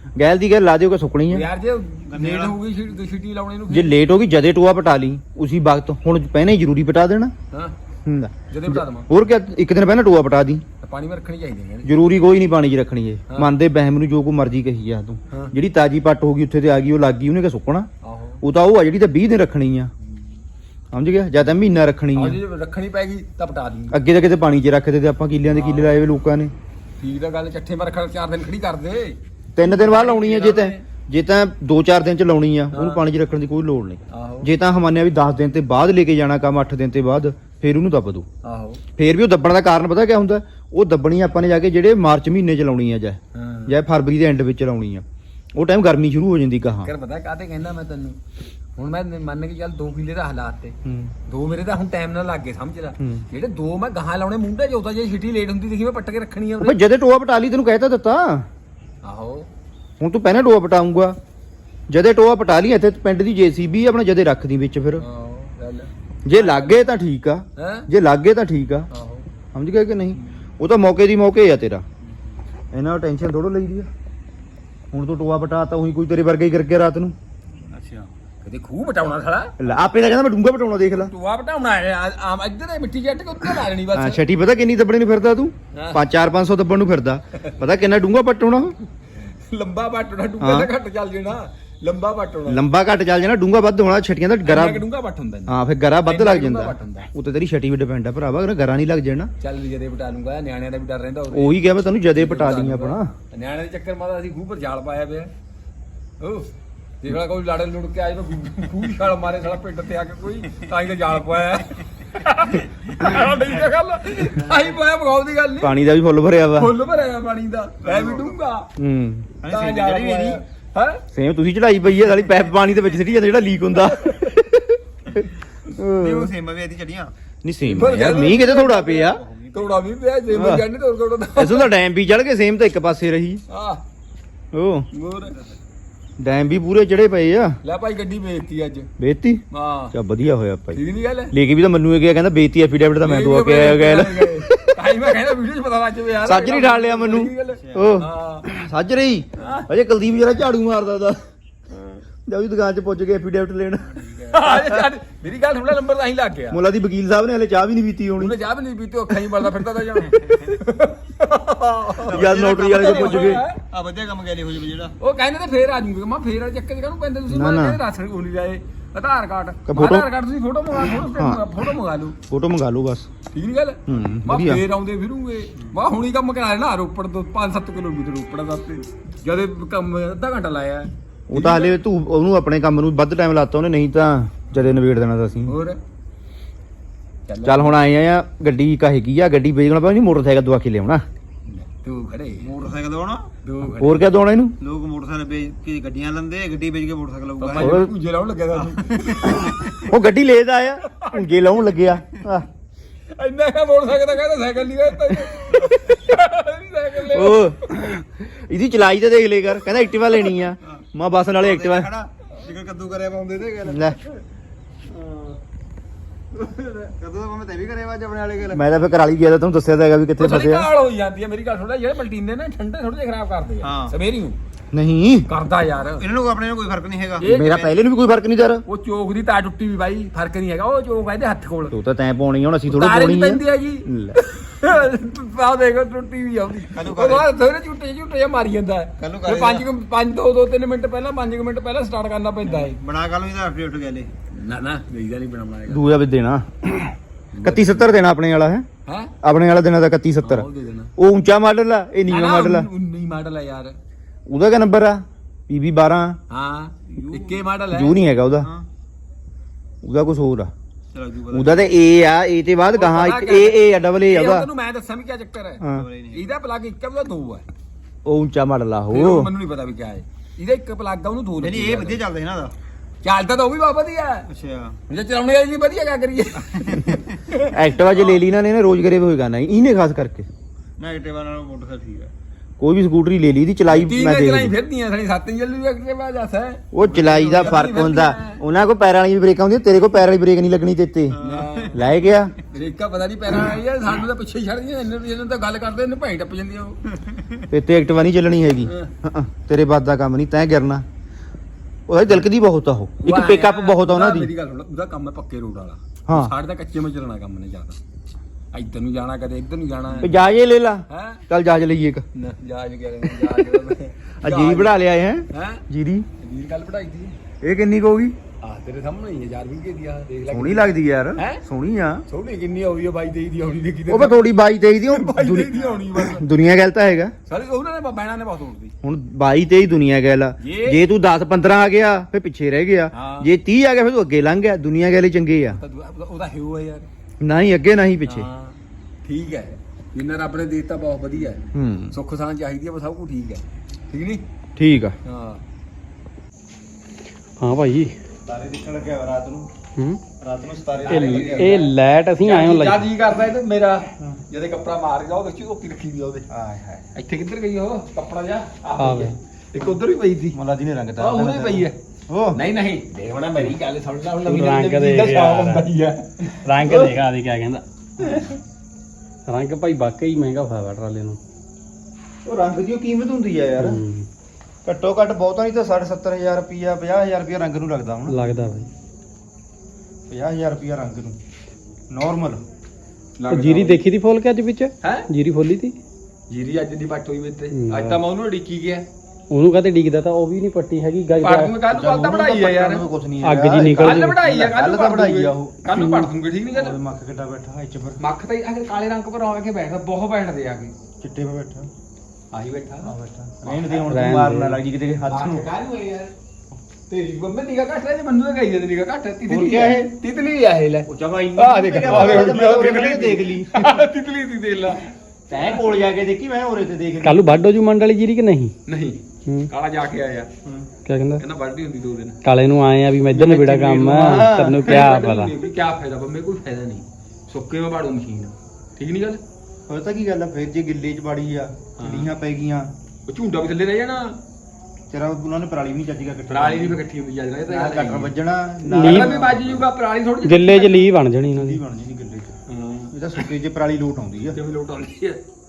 Speaker 1: ਗੈਲ ਦੀ ਗੈਲ ਲਾ ਦਿਓ ਕਿ ਸੁੱਕਣੀ ਆ
Speaker 3: ਯਾਰ ਜੇ ਲੇਟ ਹੋ ਗਈ ਛਿ- ਛਿੱਟੀ ਲਾਉਣੇ ਨੂੰ
Speaker 1: ਜੇ ਲੇਟ ਹੋ ਗਈ ਜਦੇ ਟੋਆ ਪਟਾ ਲਈ ਉਸੇ ਵਕਤ ਹੁਣ ਪਹਿਲਾਂ ਹੀ ਜ਼ਰੂਰੀ ਪਟਾ ਦੇਣਾ
Speaker 3: ਹਾਂ
Speaker 1: ਹੁੰਦਾ
Speaker 3: ਜਦੇ ਬਤਾ ਦਵਾਂ
Speaker 1: ਹੋਰ ਕਿਆ ਇੱਕ ਦਿਨ ਪਹਿਲਾਂ ਟੋਆ ਪਟਾ ਦੀ
Speaker 3: ਪਾਣੀ ਮੈਂ ਰੱਖਣੀ ਚਾਹੀਦੀ ਹੈ
Speaker 1: ਜ਼ਰੂਰੀ ਕੋਈ ਨਹੀਂ ਪਾਣੀ 'ਚ ਰੱਖਣੀ ਏ
Speaker 3: ਹਾਂ।
Speaker 1: ਮੰਨਦੇ ਬਹਿਮ ਨੂੰ ਜੋ ਕੋ ਮਰਜ਼ੀ ਕਹੀ ਜਾ ਤੂੰ
Speaker 3: ਹਾਂ।
Speaker 1: ਜਿਹੜੀ ਤਾਜੀ ਪੱਟ ਹੋ ਗਈ ਉੱਥੇ ਤੇ ਆ ਗਈ ਉਹ ਲੱਗ ਗਈ ਉਹਨੇ ਕਿ ਸੁੱਕਣਾ
Speaker 3: ਆਹੋ
Speaker 1: ਉਹ ਤਾਂ ਉਹ ਆ ਜਿਹੜੀ ਤਾਂ ਵੀਹ ਦਿਨ ਰੱਖਣੀ ਆ ਸਮਝ ਗਿਆ ਜਾਂ ਤਾਂ ਮਹੀਨਾ ਰੱਖਣੀ
Speaker 3: ਆਹ
Speaker 1: ਆ
Speaker 3: ਜੇ ਰੱਖਣੀ ਪੈਗੀ ਤਾਂ ਪਟਾ ਦੂੰਗੀ
Speaker 1: ਅੱਗੇ ਤਾਂ ਕਿਤੇ ਪਾਣੀ 'ਚ ਰੱਖਦੇ ਤੇ ਆਪਾਂ ਕਿੱਲਿਆਂ ਦੇ ਕਿੱਲੇ ਲਾਏ ਵੇ ਲੋਕਾਂ ਨੇ
Speaker 3: ਠੀਕ ਦਾ ਗੱਲ ਚੱਠੇ ਮੈਂ ਰੱਖਣ ਚਾਰ ਦਿਨ ਖੜੀ ਕਰ ਦੇ
Speaker 1: ਤਿੰਨ ਦਿਨ ਬਾਅਦ ਲਾਉਣੀ ਆ ਜੇ ਤਾਂ ਜੇ ਤਾਂ ਦੋ ਚਾਰ ਦਿਨ 'ਚ ਲਾਉਣੀ ਆ ਉਹਨੂੰ
Speaker 3: ਹਾਂ।
Speaker 1: ਪਾਣੀ 'ਚ ਰੱਖਣ ਦੀ ਕੋਈ ਲੋੜ ਨਹੀਂ
Speaker 3: ਆਹੋ
Speaker 1: ਜੇ ਤਾਂ ਹਮਾਨਿਆ ਵੀ ਦਸ ਦਿਨ ਤੇ ਬਾਅਦ ਲੈ ਕੇ ਜਾਣਾ ਕੰਮ ਅੱਠ ਦਿਨ ਤੇ ਬਾਅਦ ਫੇਰ ਉਹਨੂੰ ਦੱਬ ਦੋ
Speaker 3: ਆਹੋ
Speaker 1: ਫੇਰ ਵੀ ਉਹ ਦੱਬਣ ਦਾ ਕਾਰਨ ਪਤਾ ਕਿਆ ਹੁੰਦਾ ਉਹ ਦੱਬਣੀ ਆਪਾਂ ਨੇ ਜਾ ਕੇ ਜਿਹੜੇ ਮਾਰਚ ਮਹੀਨੇ 'ਚ ਲਾਉਣੀ ਆ ਜਾਂ
Speaker 3: ਹਾਂ
Speaker 1: ਜਾਂ ਫਰਵਰੀ ਦੇ ਐਂਡ ਵਿੱਚ ਲਾਉਣੀ ਆ ਉਹ ਟਾਈਮ ਗਰਮੀ ਸ਼ੁਰੂ ਹੋ ਜਾਂਦੀ ਕਹਾਂ
Speaker 3: ਕਰ ਪਤਾ ਕਾਤੇ ਕਹਿੰਦਾ ਮੈਂ ਤੈਨੂੰ ਹੁਣ ਮੈਂ ਮੰਨ ਕੇ ਚੱਲ ਦੋ ਕਿੱਲੇ ਦਾ ਹਾਲਾਤ ਤੇ
Speaker 1: ਹੂੰ
Speaker 3: ਦੋ ਮੇਰੇ ਤਾਂ ਹੁਣ ਟਾਈਮ ਨਾਲ ਲੱਗ ਗਏ ਸਮਝ ਲੈ
Speaker 1: ਹੂੰ।
Speaker 3: ਜਿਹੜੇ ਦੋ ਮੈਂ ਗਾਹਾਂ ਲਾਉਣੇ ਮੁੰਡੇ ਚੌਥਾ ਜੇ ਛਿੱਟੀ ਲੇਟ ਹੁੰਦੀ ਦੇਖੀ ਮੈਂ ਪੱਟ ਕੇ ਰੱਖਣੀ ਆ
Speaker 1: ਉਹ ਜਦੇ ਟੋਆ ਪਟਾ ਲਈ ਤੈਨੂੰ ਕਹਿਤਾ ਦਿੱਤਾ
Speaker 3: ਆਹੋ
Speaker 1: ਹੁਣ ਤੂੰ ਪਹਿਲਾਂ ਟੋਆ ਪਟਾਉਂਗਾ ਜਦੇ ਟੋਆ ਪਟਾ ਲਈ ਇੱਥੇ ਪਿੰਡ ਦੀ ਜੇਸੀਬੀ ਆਪਣਾ ਜਦੇ ਰੱਖਦੀ ਵਿੱਚ ਫਿਰ
Speaker 3: ਆਹੋ ਗੱਲ
Speaker 1: ਜੇ ਲੱਗੇ ਤਾਂ ਠੀਕ ਆ
Speaker 3: ਹੈ
Speaker 1: ਜੇ ਲੱਗੇ ਤਾਂ ਠੀਕ ਆ
Speaker 3: ਆਹੋ
Speaker 1: ਸਮਝ ਗਿਆ ਕਿ ਨਹੀਂ ਉਹ ਤਾਂ ਮੌਕੇ ਦੀ ਮੌਕੇ ਆ ਤੇਰਾ ਇਹਨਾਂ ਟੈਨਸ਼ਨ ਥੋੜੋ ਲਈਦੀ ਆ ਹੁਣ ਤੂੰ ਟੋਆ ਪਟਾਤਾ ਉਹੀ ਕੋਈ ਤੇਰੇ ਵਰਗਾ ਹੀ ਕਰਕੇ ਰਾਤ ਨੂੰ
Speaker 2: ਅੱਛਾ
Speaker 3: ਕਦੇ ਖੂਹ ਬਟਾਉਣਾ ਸਾਲਾ
Speaker 1: ਲੈ, ਆਪੇ ਤਾਂ ਕਹਿੰਦਾ ਮੈਂ ਡੂੰਗਾ ਪਟਾਉਣਾ ਦੇਖ ਲੈ
Speaker 3: ਟੂਆ ਬਟਾਉਣਾ ਹੈ ਆ- ਆਮ ਇੱਧਰ ਇਹ ਮਿੱਟੀ ਜੱਟ ਕੇ ਉੱਤੇ ਲਾ ਲੈਣੀ
Speaker 1: ਹਾਂ
Speaker 3: ਬਸ
Speaker 1: ਛੱਟੀ ਪਤਾ ਕਿੰਨੀ ਦੱਬਣੇ ਨੂੰ ਫਿਰਦਾ ਤੂੰ
Speaker 3: ਹਾਂ।
Speaker 1: ਪੰਜ ਚਾਰ ਪੰਜ ਸੌ ਦੱਬਣ ਨੂੰ ਫਿਰਦਾ ਪਤਾ ਕਿੰਨਾ ਡੂੰਗਾ ਪਟਾਉਣਾ
Speaker 3: ਲੰਬਾ ਬਟਣਾ ਡੂੰਗਾ
Speaker 1: ਹਾਂ।
Speaker 3: ਤਾਂ ਘੱਟ ਚੱਲ ਜਾਣਾ ਲੰਬਾ ਬਟਣਾ
Speaker 1: ਲੰਬਾ ਘੱਟ ਚੱਲ ਜਾਣਾ ਡੂੰਗਾ ਵੱਧ ਹੋਣਾ ਛੱਟੀਆਂ ਦਾ ਗਰਾ
Speaker 3: ਡੂੰਗਾ ਬਟ ਹੁੰਦਾ ਨਹੀਂ
Speaker 1: ਹਾਂ ਫਿਰ ਗਰਾ ਵੱਧ
Speaker 3: ਇੰਨਾ
Speaker 1: ਲੱਗ
Speaker 3: ਡੂੰਘਾ
Speaker 1: ਜਾਂਦਾ
Speaker 3: ਵੱਟ ਹੁੰਦਾ।
Speaker 1: ਉੱਤੇ ਤੇਰੀ ਛੱਟੀ ਵੀ ਡਿਪੈਂਡ ਆ ਭਰਾਵਾ ਅਗਰ ਗਰਾ ਨਹੀਂ ਲੱਗ ਜਾਣਾ
Speaker 3: ਚੱਲ ਜਦੇ ਬਟਾ ਲੂੰਗਾ ਨਿਆਣਿਆਂ ਦਾ ਵੀ ਡਰ ਰਹਿੰਦਾ ਉਰੇ।
Speaker 1: ਉਹੀ ਕਿਹਾ ਮੈਂ ਤੈਨੂੰ ਜਦੇ ਪਟਾ ਲਈ ਆਪਣਾ
Speaker 3: ਨਿਆਣਿਆਂ ਦੇ ਚੱਕਰ ਮਾਦਾ ਅਸੀਂ ਖੂਹ ਪਰ ਜਾਲ ਪਾਇਆ ਪਿਆ ਓ ਦੇਖ ਲੈ ਕੋਈ ਲੜ ਲੁੜ ਕੇ ਆਏ ਤਾਂ ਖੂਹ ਛਾਲ ਮਾਰੇ ਸਾਲਾ ਪਿੰਡ ਤੇ ਆ ਕੇ ਕੋਈ ਤਾਂ ਹੀ ਤਾਂ ਜਾਲ ਪਾਇਆ ਨਹੀਂ ਤਾਂ ਗੱਲ ਆਈ ਪਾਇਆ ਬਗਾਉ ਦੀ ਗੱਲ ਨਹੀਂ
Speaker 1: ਪਾਣੀ ਦਾ ਵੀ ਫੁੱਲ ਭਰਿਆ ਵਾ
Speaker 3: ਫੁੱਲ ਭਰਿਆ ਪਾਣੀ ਦਾ ਮੈਂ ਵੀ ਡੂੰਗਾ
Speaker 1: ਹੂੰ
Speaker 3: ਤਾਂ ਜਾਲ ਪਾਇਆ ਹੈ
Speaker 1: ਸੇਮ ਤੁਸੀਂ ਚੜਾਈ ਪਈ ਹੈ ਸਾਲੀ ਪੈਪ ਪਾਣੀ ਦੇ ਵਿੱਚ ਸਿੱਟੀ ਜਾਂਦਾ ਜਿਹੜਾ ਲੀਕ ਹੁੰਦਾ
Speaker 2: ਨਹੀਂ ਉਹ ਸੇਮ ਵੀ ਇਹਦੀ ਚੜੀਆਂ
Speaker 1: ਨਹੀਂ ਸੇਮ ਯਾਰ ਮੀਂਹ ਕਿਤੇ ਥੋੜਾ ਪਿਆ
Speaker 3: ਤੋੜਾ ਵੀ ਪਿਆ ਜੇ ਮੈਂ ਜਾਣੇ ਤੋੜ ਤੋੜ
Speaker 1: ਇਸੋਂ ਦਾ ਡੈਮ ਵੀ ਚੜ ਕੇ ਸੇਮ ਤਾਂ ਇੱਕ ਪਾਸੇ ਰਹੀ
Speaker 3: ਆ
Speaker 1: ਉਹ
Speaker 3: ਹੋਰ
Speaker 1: ਡੈਮ ਵੀ ਪੂਰੇ ਚੜੇ ਪਏ ਆ
Speaker 3: ਲੈ ਭਾਈ ਗੱਡੀ ਵੇਚਤੀ ਅੱਜ
Speaker 1: ਬੇਤੀ
Speaker 3: ਹਾਂ
Speaker 1: ਚਾ ਵਧੀਆ ਹੋਇਆ ਭਾਈ
Speaker 3: ਠੀਕ ਨਹੀਂ ਗੱਲ
Speaker 1: ਲੈ ਕੇ ਵੀ ਤਾਂ ਮੈਨੂੰ ਇਹ ਗਿਆ ਕਹਿੰਦਾ ਬੇਤੀ ਐਫੀਡੇਵਿਟ ਤਾਂ ਮੈਂ ਦਵਾ ਕੇ ਆਇਆ ਗਿਆ
Speaker 3: ਭਾਈ ਮੈਂ ਕਹਿੰਦਾ ਵੀਡੀਓ ਚ ਪਤਾ ਲੱਗ ਜਾਵੇ ਯਾਰ
Speaker 1: ਸੱਜ ਨਹੀਂ ਠਾਲ ਲਿਆ ਮੈਨੂੰ ਉਹ
Speaker 3: ਹਾਂ
Speaker 1: ਸੱਜ ਰਹੀ ਅਜੇ ਕੁਲਦੀਪ ਜਰਾ ਝਾੜੂ ਮਾਰਦਾ ਦਾ ਜਾ ਵੀ ਦੁਕਾਨ 'ਚ ਪੁੱਜ ਕੇ ਐਫੀਡੇਵਿਟ ਲੈਣ
Speaker 3: ਮੇਰੀ ਗੱਲ ਸੁਣ ਲੈ ਨੰਬਰ ਤਾਂ ਹੀ ਲੱਗ ਗਿਆ
Speaker 1: ਮੁੱਲਾ ਦੀ ਵਕੀਲ ਸਾਹਿਬ ਨੇ ਹਲੇ ਚਾਹ ਵੀ ਨਹੀਂ ਪੀਤੀ ਹੋਣੀ
Speaker 3: ਉਹਨੇ ਚਾਹ ਵੀ ਨਹੀਂ ਪੀਤੀ ਅੱਖਾਂ ਹੀ ਮਲਦਾ ਫਿਰਦਾ ਤਾਂ ਜਾਣ
Speaker 1: ਜਦ ਨੋਟਰੀ ਵਾਲੇ ਕੋਲ ਪੁੱਜ ਗਏ
Speaker 2: ਆ ਵਧੀਆ ਕੰਮ ਗੈਲੇ ਹੋ ਜਾਵੇ ਜਿਹੜਾ
Speaker 3: ਉਹ ਕਹਿੰਦੇ ਤੇ ਫੇਰ ਆ ਜੂਗੇ ਮੈਂ ਫੇਰ ਵਾਲੇ ਚੱਕਰ ਕਾਹਨੂੰ ਪੈਂਦੇ ਤੁਸੀਂ
Speaker 1: ਨਾ,
Speaker 3: ਮੈਂ
Speaker 1: ਨਾ।
Speaker 3: ਕਹਿੰਦੇ ਰਾਸ਼ਨ ਕੋਲ ਨਹੀਂ ਜਾਏ ਆਧਾਰ ਕਾਰਡ
Speaker 1: ਕਿ ਫੋਟੋ-
Speaker 3: ਆਧਾਰ ਕਾਰਡ ਤੁਸੀਂ ਫੋਟੋ ਮੰਗਾ ਫੋਟੋ ਫੋਟੋ ਮੰਗਾ ਲਓ
Speaker 1: ਫੋਟੋ ਮੰਗਾ ਲਓ ਬਸ
Speaker 3: ਠੀਕ ਨਹੀਂ ਗੱਲ
Speaker 1: ਹੂੰ,
Speaker 3: ਮੈਂ
Speaker 1: ਵਧੀਆ।
Speaker 3: ਫੇਰ ਆਉਂਦੇ ਫਿਰੂਗੇ ਮੈਂ ਹੁਣੀ ਕੰਮ ਕਰਾਇਆ ਨਾ ਰੋਪੜ ਤੋਂ ਪੰਜ ਸੱਤ ਕਿਲੋਮੀਟਰ ਰੋਪੜ ਦਾ ਤੇ ਜਦੇ ਕੰਮ ਅੱਧਾ ਘੰਟਾ ਲਾਇਆ
Speaker 1: ਉਹ ਤਾਂ ਹਲੇ ਤੂੰ ਉਹਨੂੰ ਆਪਣੇ ਕੰਮ ਨੂੰ ਵੱਧ ਟਾਈਮ ਲਾਤਾ ਉਹਨੇ ਨਹੀਂ ਤਾਂ ਜਦੇ ਨਵੇੜ ਦੇਣਾ ਤਾਂ ਅਸੀਂ
Speaker 3: ਹੋਰ
Speaker 1: ਚੱਲ ਹੁਣ ਆਏ ਆ ਗੱਡੀ ਕਾਹੇਗੀ ਆ ਗੱਡੀ ਵੇਚਣਾ ਪਾ ਨਹੀਂ ਮੋਟਰਸਾਈਕਲ ਦਵਾ ਕੇ ਲਿਆਉਣਾ
Speaker 3: ਤੂੰ ਖੜੇ
Speaker 2: ਮੋਟਰਸਾਈਕਲ ਦਵਾਉਣਾ
Speaker 3: ਦੋ ਖੜੇ
Speaker 1: ਹੋਰ ਕਿਆ ਦਵਾਉਣਾ ਇਹਨੂੰ
Speaker 2: ਲੋਕ ਮੋਟਰਸਾਈਕਲ ਵੇਚ ਕੇ ਗੱਡੀਆਂ ਲੈਂਦੇ ਗੱਡੀ ਵੇਚ ਕੇ ਮੋਟਰਸਾਈਕਲ ਲਊਗਾ
Speaker 3: ਮੈਂ ਪੂਜੇ ਲਾਉਣ ਲੱਗਿਆ ਤੁਹਾਨੂੰ
Speaker 1: ਉਹ ਗੱਡੀ ਲੈ ਦਾ ਆਇਆ ਉਂਗੇ ਲਾਉਣ ਲੱਗਿਆ ਆਹ,
Speaker 3: ਇੰਨਾ ਕਾ ਮੋਟਰਸਾਈਕਲ ਦਾ ਕਹਿੰਦਾ ਸਾਈਕਲ ਨਹੀਂ ਕਹਿੰਦਾ ਨਹੀਂ ਸਾਈਕਲ ਲੈ
Speaker 1: ਉਹ ਇਹਦੀ ਚਲਾਈ ਤਾਂ ਦੇਖ ਲੈ ਕਰ ਕਹਿੰਦਾ ਐਕਟਿਵਾ ਲੈਣੀ ਆ ਮੈਂ ਬੱਸ ਨਾਲੇ ਐਕਟਿਵਾ
Speaker 2: ਖੜਾ ਜਿਗਰ ਕੱਦੂ ਕਰਿਆ ਪਾਉਂਦੇ ਤੇ ਗੱਲ
Speaker 1: ਲੈ
Speaker 2: ਕਦੋਂ ਦਾ ਮੈਂ ਤੇ ਵੀ ਕਰਿਆ ਵਾ ਆਪਣੇ ਵਾਲੇ ਗੱਲ
Speaker 1: ਮੈਂ ਤਾਂ ਫੇਰ ਕਰਾਲੀ ਗਿਆ ਤਾਂ ਤੁਹਾਨੂੰ ਦੱਸਿਆ ਤਾਂ ਹੈਗਾ ਵੀ ਕਿੱਥੇ
Speaker 3: ਉਹ ਸਾਡੀ
Speaker 1: ਫਸਿਆ
Speaker 3: ਕਾਲ ਹੋਈ ਜਾਂਦੀ ਹੈ ਮੇਰੀ ਗੱਲ ਸੁਣ ਲੈ ਜਿਹੜੇ ਮਲਟੀਨੇ ਨੇ ਠੰਡੇ ਥੋੜੇ ਜਿਹਾ ਖਰਾਬ ਕਰਦੇ ਆ
Speaker 2: ਹਾਂ।
Speaker 3: ਸਵੇਰੀ ਨੂੰ
Speaker 1: ਨਹੀਂ
Speaker 3: ਕਰਦਾ ਯਾਰ
Speaker 2: ਇਹਨਾਂ ਨੂੰ ਆਪਣੇ ਨੂੰ ਕੋਈ ਫਰਕ ਨਹੀਂ ਹੈਗਾ
Speaker 3: ਇਹ
Speaker 1: ਮੇਰਾ ਪਹਿਲੇ ਨੂੰ ਵੀ ਕੋਈ ਫਰਕ ਨਹੀਂ ਤੇਰਾ
Speaker 3: ਉਹ ਚੋਕ ਦੀ ਤਾਂ ਟੁੱਟੀ ਵੀ ਬਾਈ ਫਰਕ ਨਹੀਂ ਹੈਗਾ ਉਹ ਚੋਕ ਇਹਦੇ ਹੱਥ ਕੋਲ
Speaker 1: ਤੂੰ ਤਾਂ ਤੈਂ ਪਾਉਣੀ ਹੁਣ ਅਸੀਂ ਥੋੜਾ
Speaker 3: ਤਾਰੇ
Speaker 1: ਪਾਉਣੀ
Speaker 3: ਵੀ ਪੈਂਦੀ ਆ ਜੀ
Speaker 1: ਲੈ।
Speaker 3: ਆਹ ਦੇਖੋ ਟੁੱਟੀ ਵੀ ਆਉਂਦੀ
Speaker 2: ਕੱਲ੍ਹ ਨੂੰ
Speaker 3: ਉਹ ਬਾਅਦ ਥੋੜੇ ਝੂਟੇ ਝੂਟੇ ਜਿਹਾ ਮਾਰੀ ਜਾਂਦਾ ਹੈ
Speaker 2: ਕੱਲ੍ਹ ਨੂੰ
Speaker 3: ਫਿਰ
Speaker 2: ਕਰੇ
Speaker 3: ਪੰਜ ਕੁ- ਪੰਜ ਦੋ ਦੋ ਤਿੰਨ ਮਿੰਟ ਪਹਿਲਾਂ ਪੰਜ ਕੁ ਮਿੰਟ ਪਹਿਲਾਂ ਸਟਾਰਟ ਕਰਨਾ ਪੈਂਦਾ ਹੈ
Speaker 2: ਬਣਾ ਕੱਲ ਨੂੰ ਇਹਦਾ ਅਪਡੇਟ ਗੈਲੇ
Speaker 3: ਨਾ ਨਾ ਇਹਦਾ ਨਹੀਂ ਬਣਾਉਣਾ ਹੈਗਾ
Speaker 1: ਦੂਜਾ ਵੀ ਦੇਣਾ ਇਕੱਤੀ ਸੱਤਰ ਦੇਣਾ ਆਪਣੇ ਵਾਲਾ ਹੈ
Speaker 3: ਹੈ
Speaker 1: ਆਪਣੇ ਵਾਲਾ ਦੇਣਾ ਤਾਂ ਇਕੱਤੀ ਸੱਤਰ
Speaker 3: ਉਹ ਦੇ ਦੇਣਾ
Speaker 1: ਉਹ ਉੱਚਾ ਮਾਡਲ ਆ ਇਹ ਨੀਵਾਂ ਮਾਡਲ ਆ
Speaker 3: ਉੱਨੀ ਮਾਡਲ ਹੈ ਯਾਰ
Speaker 1: ਉਹਦਾ ਕੀ ਨੰਬਰ ਆ ਪੀਬੀ ਬਾਰਾਂ
Speaker 3: ਹਾਂ ਇੱਕੇ ਮਾਡਲ ਹੈ
Speaker 1: ਜੂ ਨਹੀਂ ਹੈਗਾ ਉਹਦਾ
Speaker 2: ਹਾਂ
Speaker 1: ਉਹਦਾ ਕੁਝ ਹੋਰ ਆ
Speaker 2: ਚਲੋ ਜੂ ਪਤਾ
Speaker 1: ਉਹਦਾ ਤੇ ਏ ਆ ਏ ਤੇ ਬਾਅਦ ਗਾਹਾਂ ਇੱਕ ਏ ਏ ਆ ਡਬਲ ਏ
Speaker 3: ਇਹ
Speaker 1: ਉਹਦਾ
Speaker 3: ਤੈਨੂੰ ਮੈਂ ਦੱਸਾਂ ਵੀ ਕੀ ਚੱਕਰ ਹੈ
Speaker 1: ਹਾਂ
Speaker 3: ਇਹਦਾ ਪਲੱਗ ਇੱਕ ਉਹਦਾ ਦੋ ਹੈ
Speaker 1: ਉਹ ਉੱਚਾ ਮਾਡਲ ਆ
Speaker 3: ਫਿਰ ਉਹ
Speaker 1: ਉਹ
Speaker 3: ਮੈਨੂੰ ਨਹੀਂ ਪਤਾ ਵੀ ਕੀ ਹੈ ਇਹਦਾ ਇੱਕ ਪਲੱਗ ਆ ਉਹਨੂੰ ਦੋ
Speaker 2: ਨਹੀਂ ਇਹ ਵਧੀਆ ਚੱਲਦਾ ਇਹਨਾਂ ਦਾ
Speaker 3: ਚੱਲਦਾ ਤਾਂ ਉਹ ਵੀ ਬਹੁਤ ਵਧੀਆ ਹੈ
Speaker 2: ਅੱਛਾ
Speaker 3: ਜੇ ਚਲਾਉਣੇ ਵਾਲੀ ਨਹੀਂ ਵਧੀਆ ਕਿਆ ਕਰੀਏ
Speaker 1: ਐਕਟਿਵਾ ਜੇ ਲੈ ਲਈ ਨਾ ਨੇ ਰੋਜ਼ ਗਰੇ ਹੋਏਗਾ ਨਾ ਇਹਨੇ ਖਾਸ ਕਰਕੇ
Speaker 2: ਨੈਗੇਟਿਵ ਨਾਲ ਮੋਟਰਸਾਈਕਲ ਠੀਕ ਹੈ
Speaker 1: ਕੋਈ ਵੀ ਸਕੂਟਰੀ ਲੈ ਲਈ ਦੀ ਚਲਾਈ
Speaker 3: ਤੀਨ
Speaker 1: ਮੈਂ
Speaker 3: ਨੇ
Speaker 1: ਦੇਖ
Speaker 3: ਚਲਾਈ
Speaker 1: ਲਈ।
Speaker 3: ਫਿਰਦੀਆਂ ਸਾਡੀ ਸੱਤ ਚੱਲੂ ਐਕਟਿਵ ਆ ਜੱਸ ਹੈ
Speaker 1: ਉਹ ਚਲਾਈ ਦਾ ਫਰਕ ਹੁੰਦਾ ਉਹਨਾਂ ਕੋਲ ਪੈਰਾਂ ਵਾਲੀ ਬ੍ਰੇਕਾਂ ਹੁੰਦੀਆਂ ਤੇਰੇ ਕੋਲ ਪੈਰ ਵਾਲੀ ਬ੍ਰੇਕ ਨਹੀਂ ਲੱਗਣੀ ਤੇ ਤੇ ਲੈ ਗਿਆ
Speaker 3: ਬ੍ਰੇਕਾਂ ਪਤਾ ਨਹੀਂ ਪੈਰਾਂ ਵਾਲੀ ਆ ਸਾਨੂੰ ਤਾਂ ਪਿੱਛੇ ਹੀ ਛੱਡਦੀਆਂ ਇਹਨਾਂ ਇਹਨਾਂ ਤਾਂ ਗੱਲ ਕਰਦੇ ਇਹਨੂੰ ਭਾਈ ਟੱਪ ਜਾਂਦੀਆਂ ਉਹ
Speaker 1: ਤੇ ਤੇ ਐਕਟਿਵਾ ਨਹੀਂ ਚੱਲਣੀ ਹੈਗੀ ਹਾਂ, ਤੇਰੇ ਬਾਦ ਦਾ ਕੰਮ ਨਹੀਂ ਤੈਂ ਗਿਰਨਾ ਉਹਦਾ ਦਿਲਕਦੀ ਬਹੁਤ ਆ ਉਹ ਇੱਕ ਪਿਕਅਪ ਬਹੁਤ ਆ ਉਹਨਾਂ ਦੀ
Speaker 3: ਮੇਰੀ ਗੱਲ ਸੁਣ ਉਹਦਾ ਕੰਮ ਹੈ ਪੱਕੇ ਰੋਡ ਵਾਲਾ
Speaker 1: ਹਾਂ।
Speaker 3: ਸਾਡੇ ਤਾਂ ਕੱਚੇ ਮੇ ਚੱਲਣਾ ਕੰਮ ਨੇ ਜ਼ਿਆਦਾ ਇੱਧਰ ਨੂੰ ਜਾਣਾ ਕਦੇ ਇੱਧਰ ਨੂੰ ਜਾਣਾ
Speaker 1: ਵੀ ਜਾਜ ਹੀ ਲੈ ਲਾ
Speaker 3: ਹੈ
Speaker 1: ਚੱਲ ਜਾਜ ਲਈਏ ਇੱਕ
Speaker 3: ਨਾ ਜਾ ਨਹੀਂ ਕਰੇ
Speaker 1: ਆ ਜੀਰੀ ਬਣਾ ਲਿਆ ਹੈ
Speaker 3: ਹੈ
Speaker 1: ਜੀਰੀ
Speaker 3: ਜੀਰ ਕੱਲ ਪੜਾਈ ਦੀ
Speaker 1: ਇਹ ਕਿੰਨੀ ਕੁ ਹੋਗੀ
Speaker 3: ਆ ਤੇਰੇ ਸਾਹਮਣੇ ਹੀ ਹੈ ਯਾਰ ਵੀ ਦੀ ਆ ਦੇਖ ਲੈ
Speaker 1: ਸੋਹਣੀ ਲੱਗਦੀ ਯਾਰ
Speaker 3: ਹੈਂ?
Speaker 1: ਸੋਹਣੀ ਆ
Speaker 3: ਸੋਹਣੀ ਕਿੰਨੀ ਆਉਦੀ ਆ ਬਾਈ ਤੇਈ ਦੀ ਆਉਣੀ ਦੇਖੀ
Speaker 1: ਉਹ ਬਸ ਥੋੜੀ ਬਾਈ ਤੇਈ ਦੀ ਉਹ
Speaker 3: ਬਾਈ ਤੇਈ ਦੀ
Speaker 1: ਦੁਨੀ-
Speaker 3: ਆਉਣੀ ਬਸ
Speaker 1: ਦੁਨੀਆ ਗੱਲ ਤਾਂ ਹੈਗਾ
Speaker 3: ਸਾਰੀ ਉਹਨਾਂ ਨੇ ਬੈਣਾ ਨੇ ਬਹੁਤ ਉੜਦੀ
Speaker 1: ਹੁਣ ਬਾਈ ਤੇਈ ਦੁਨੀਆ ਗੱਲ ਆ
Speaker 3: ਜੇ-
Speaker 1: ਜੇ ਤੂੰ ਦਸ ਪੰਦਰਾਂ ਆ ਗਿਆ ਫੇ ਪਿੱਛੇ ਰਹਿ ਗਿਆ
Speaker 3: ਹਾਂ।
Speaker 1: ਜੇ ਤੀਹ ਆ ਗਿਆ ਫੇ ਤੂੰ ਅੱਗੇ ਲੰਘ ਗਿਆ ਦੁਨੀਆ ਗੱਲ ਹੀ ਚੰਗੇ ਆ
Speaker 3: ਤਾਂ ਦੂਆ- ਉਹਦਾ ਹਿਓ ਹੈ ਯਾਰ
Speaker 1: ਨਾ ਹੀ ਅੱਗੇ ਨਾ ਹੀ ਪਿੱਛੇ
Speaker 3: ਹਾਂ ਠੀਕ ਹੈ ਜਿੰਨਾ ਰੱਬ ਨੇ ਦਿੱਤਾ ਬਹੁਤ ਵਧੀਆ ਹੈ
Speaker 1: ਹੂੰ
Speaker 3: ਸੁੱਖ ਸਾਂ ਚਾਹੀਦੀ ਹੈ ਬਸ ਸਭ ਕੁਝ ਠੀਕ ਹੈ ਠੀਕ ਨਹੀਂ
Speaker 1: ਠੀਕ ਆ
Speaker 3: ਹਾਂ
Speaker 4: ਹਾਂ ਭਾਈ
Speaker 1: ਤਾਰੇ ਦਿਖਣ ਲੱਗਿਆ ਰਾਤ ਨੂੰ
Speaker 4: ਹੂੰ
Speaker 1: ਰਾਤ ਨੂੰ ਸਤਾਰੇ
Speaker 4: ਇਹ ਇਹ ਲਾਈਟ ਅਸੀਂ ਆਏ ਹਾਂ
Speaker 3: ਯਾਰ
Speaker 4: ਲਈ
Speaker 3: ਜੀ ਕਰਦਾ ਇਹ ਤੇ ਮੇਰਾ ਜਦੇ ਕੱਪੜਾ ਮਾਰ ਗਿਆ ਉਹ ਦੇਖੀ ਧੋਤੀ ਰੱਖੀ ਦੀ ਆ ਉਹਦੇ
Speaker 1: ਆਏ ਹਾਏ
Speaker 3: ਇੱਥੇ ਕਿੱਧਰ ਗਈ ਉਹ ਕੱਪੜਾ ਜਾ
Speaker 4: ਆ ਵੇ
Speaker 3: ਇੱਕ ਉਧਰ ਵੀ ਪਈ ਸੀ
Speaker 1: ਮਲਾ ਜੀ ਨੇ ਰੰਗ
Speaker 3: ਆ
Speaker 1: ਤਾਂ
Speaker 3: ਉਹਨੇ ਪਈ ਹੈ
Speaker 1: ਉਹ
Speaker 3: ਨਹੀਂ ਨਹੀਂ ਦੇਖ ਹੁਣ ਮੇਰੀ ਗੱਲ ਸੁਣ ਲੈ ਹੁਣ
Speaker 4: ਤੂੰ ਰੰਗ ਦੇਖ
Speaker 3: ਦਾ ਸ਼ੌਕ
Speaker 4: ਯਾਰ।
Speaker 3: ਹੁੰਦਾ ਹੀ ਹੈ
Speaker 4: ਰੰਗ ਦੇਖ ਆ ਦੇ ਕਿਆ ਕਹਿੰਦਾ ਰੰਗ ਭਾਈ ਵਾਕਈ ਮਹਿੰਗਾ ਹੋਇਆ ਵਾ ਟਰਾਲੇ ਨੂੰ
Speaker 1: ਉਹ ਰੰਗ ਦੀ ਉਹ ਕੀਮਤ ਹੁੰਦੀ ਆ ਯਾਰ
Speaker 4: ਹੂੰ,
Speaker 1: ਘੱਟੋ ਘੱਟ ਬਹੁਤਾ ਨਹੀਂ ਤਾਂ ਸਾਢੇ ਸੱਤਰ ਹਜ਼ਾਰ ਰੁਪਿਆ ਪੰਜਾਹ ਹਜ਼ਾਰ ਰੁਪਿਆ ਰੰਗ ਨੂੰ ਲੱਗਦਾ ਹੁਣ
Speaker 4: ਲੱਗਦਾ ਭਾਈ
Speaker 1: ਪੰਜਾਹ ਹਜ਼ਾਰ ਰੁਪਿਆ ਰੰਗ ਨੂੰ ਨਾਰਮਲ
Speaker 4: ਉਹ ਜੀਰੀ ਦੇਖੀ ਤੀ ਫੋਲ ਕੇ ਅੱਜ ਵਿੱਚ
Speaker 3: ਹੈ
Speaker 4: ਜੀਰੀ ਫੋਲੀ ਤੀ
Speaker 3: ਜੀਰੀ ਅੱਜ ਦੀ ਪੱਟ ਹੋਈ ਮੇਰੇ ਤੇ
Speaker 4: ਹੂੰ।
Speaker 3: ਅੱਜ ਤਾਂ ਮੈਂ ਉਹਨੂੰ ਡਿੱਕੀ ਗਿਆ
Speaker 4: ਉਹਨੂੰ ਕਹਤੇ ਡਿੱਗਦਾ ਤਾਂ ਉਹ ਵੀ ਨਹੀਂ ਪੱਟੀ ਹੈਗੀ ਗੱਜ
Speaker 3: ਪੜ ਦੂੰਗਾ ਕੱਲ ਨੂੰ ਕੱਲ ਤਾਂ ਪੜਾਈ ਆ ਯਾਰ
Speaker 1: ਕੁਝ ਨਹੀਂ
Speaker 4: ਅੱਗ ਜੀ ਨਿਕਲ
Speaker 3: ਕੱਲ
Speaker 4: ਜੂ।
Speaker 3: ਪੜਾਈ ਆ ਕੱਲ
Speaker 1: ਕੱਲ੍ਹ
Speaker 3: ਨੂੰ
Speaker 1: ਤਾਂ
Speaker 3: ਪੜਾਈ
Speaker 1: ਪੜ੍ਹਾਈ
Speaker 3: ਆ
Speaker 1: ਆ
Speaker 3: ਉਹ
Speaker 1: ਉਹ।
Speaker 3: ਕੱਲ ਨੂੰ ਪੜ ਦੂੰਗੇ ਠੀਕ ਨਹੀਂ
Speaker 1: ਉਹਦੇ
Speaker 3: ਗੱਲ
Speaker 1: ਮੱਖ ਕਿੱਡਾ ਬੈਠਾ ਇੱਚ ਪਰ
Speaker 3: ਮੱਖ ਤੇ ਅਗਰ ਕਾਲੇ ਰੰਗ ਪਰ ਆ ਕੇ ਬੈਠਦਾ ਬਹੁਤ ਬੈਠਦੇ ਆ ਕੇ
Speaker 1: ਚਿੱਟੇ 'ਤੇ ਬੈਠਾ
Speaker 3: ਆਹੀ ਬੈਠਾ
Speaker 1: ਆ ਬੈਠਾ ਰਹਿਣ ਦੇ ਹੁਣ
Speaker 4: ਰਹਿਣ
Speaker 1: ਤੂੰ ਮਾਰ
Speaker 4: ਦੇ।
Speaker 1: ਨਾ ਲੱਗ ਜੀ ਕਿਤੇ ਹੱਥ ਨੂੰ
Speaker 3: ਕਾਹ ਨੂੰ ਯਾਰ ਤੇਰੀ ਬੰਬੇ ਨਿਗਾ ਘੱਟ ਲੈ ਮੈਨੂੰ ਤਾਂ ਕਹੀ ਜਾਂਦੀ ਨਿਗਾ ਘੱਟ
Speaker 1: ਹੋਰ
Speaker 3: ਤਿਤਲੀ
Speaker 1: ਕਿਆ ਇਹ?
Speaker 3: ਤਿਤਲੀ ਆ ਇਹ ਲੈ
Speaker 1: ਉਹ ਚੰਗਾ ਇੰਨੀ
Speaker 3: ਆ ਦੇਖ ਆ ਦੇਖ
Speaker 1: ਦੇਖ ਲਈ
Speaker 3: ਤਿਤਲੀ ਦੀ ਦੇਖ ਲਾ
Speaker 1: ਤੈਂ ਕੋਲ ਜਾ ਕੇ ਦੇਖੀ ਮੈਂ ਹੋਰੇ ਤੇ ਦੇਖ ਲਈ
Speaker 4: ਕੱਲ ਨੂੰ ਵੱਢ ਹੋ ਜੂ ਮੰਡ ਵਾਲੀ ਜੀਰੀ ਕਿ ਨਹੀਂ
Speaker 3: ਨਹੀਂ
Speaker 4: ਹੂੰ
Speaker 3: ਕਾਲਾ ਜਾ ਕੇ ਆਇਆ
Speaker 4: ਕਿਆ ਕਹਿੰਦਾ
Speaker 3: ਕਹਿੰਦਾ ਵੱਢਦੀ ਹੁੰਦੀ ਦੋ ਦਿਨ
Speaker 4: ਕਾਲੇ ਨੂੰ ਆਏ ਆ ਵੀ ਮੈਂ ਇੱਧਰ ਨੂੰ ਬੇੜਾ ਕੰਮ ਆ ਤੈਨੂੰ ਕਿਆ ਪਤਾ
Speaker 3: ਕੀ ਫਾਇਦਾ ਬੰਬੇ ਕੋਈ ਫਾਇਦਾ ਨਹੀਂ ਸੁੱਕੇ ਮੈਂ ਬਾੜੂ ਮਸ਼ੀਨ ਠੀਕ ਨਹੀਂ ਗੱਲ
Speaker 1: ਪਤਾ ਕੀ ਗੱਲ ਆ ਫਿਰ ਜੇ ਗਿੱਲੇ 'ਚ ਬਾੜੀ ਆ ਲੀਹਾਂ ਪੈ ਗਈਆਂ
Speaker 3: ਉਹ ਝੁੰਡਾ ਵੀ ਥੱਲੇ ਰਹਿ ਜਾਣਾ
Speaker 1: ਤੇਰਾ ਉਹਨਾਂ ਨੇ ਪਰਾਲੀ ਵੀ ਨਹੀਂ ਚੱਜੀ ਕੱਟੀ
Speaker 3: ਪਰਾਲੀ ਨਹੀਂ ਇਕੱਠੀ ਹੁੰਦੀ ਜਦ ਇਹ
Speaker 1: ਨਾ
Speaker 3: ਤਾਂ
Speaker 1: ਕੱਟਰ ਵੱਜਣਾ
Speaker 4: ਲੀਹ-
Speaker 3: ਨਾਲ ਵੀ ਵੱਜ ਜੂਗਾ ਪਰਾਲੀ ਥੋੜੀ
Speaker 4: ਗਿੱਲੇ 'ਚ ਲੀ ਬਣ ਜਣੀ ਇਹਨਾਂ
Speaker 1: ਦੀ
Speaker 4: ਦੀ
Speaker 1: ਬਣ ਜੀ ਗਿੱਲੇ 'ਚ
Speaker 3: ਹਾਂ
Speaker 1: ਇਹ ਤਾਂ ਸੁੱਕੇ 'ਚ ਪਰਾਲੀ ਲੋਟ ਆਉਂਦੀ ਆ
Speaker 3: ਜਿਵੇਂ ਲੋਟ ਆਉਂਦੀ ਹੈ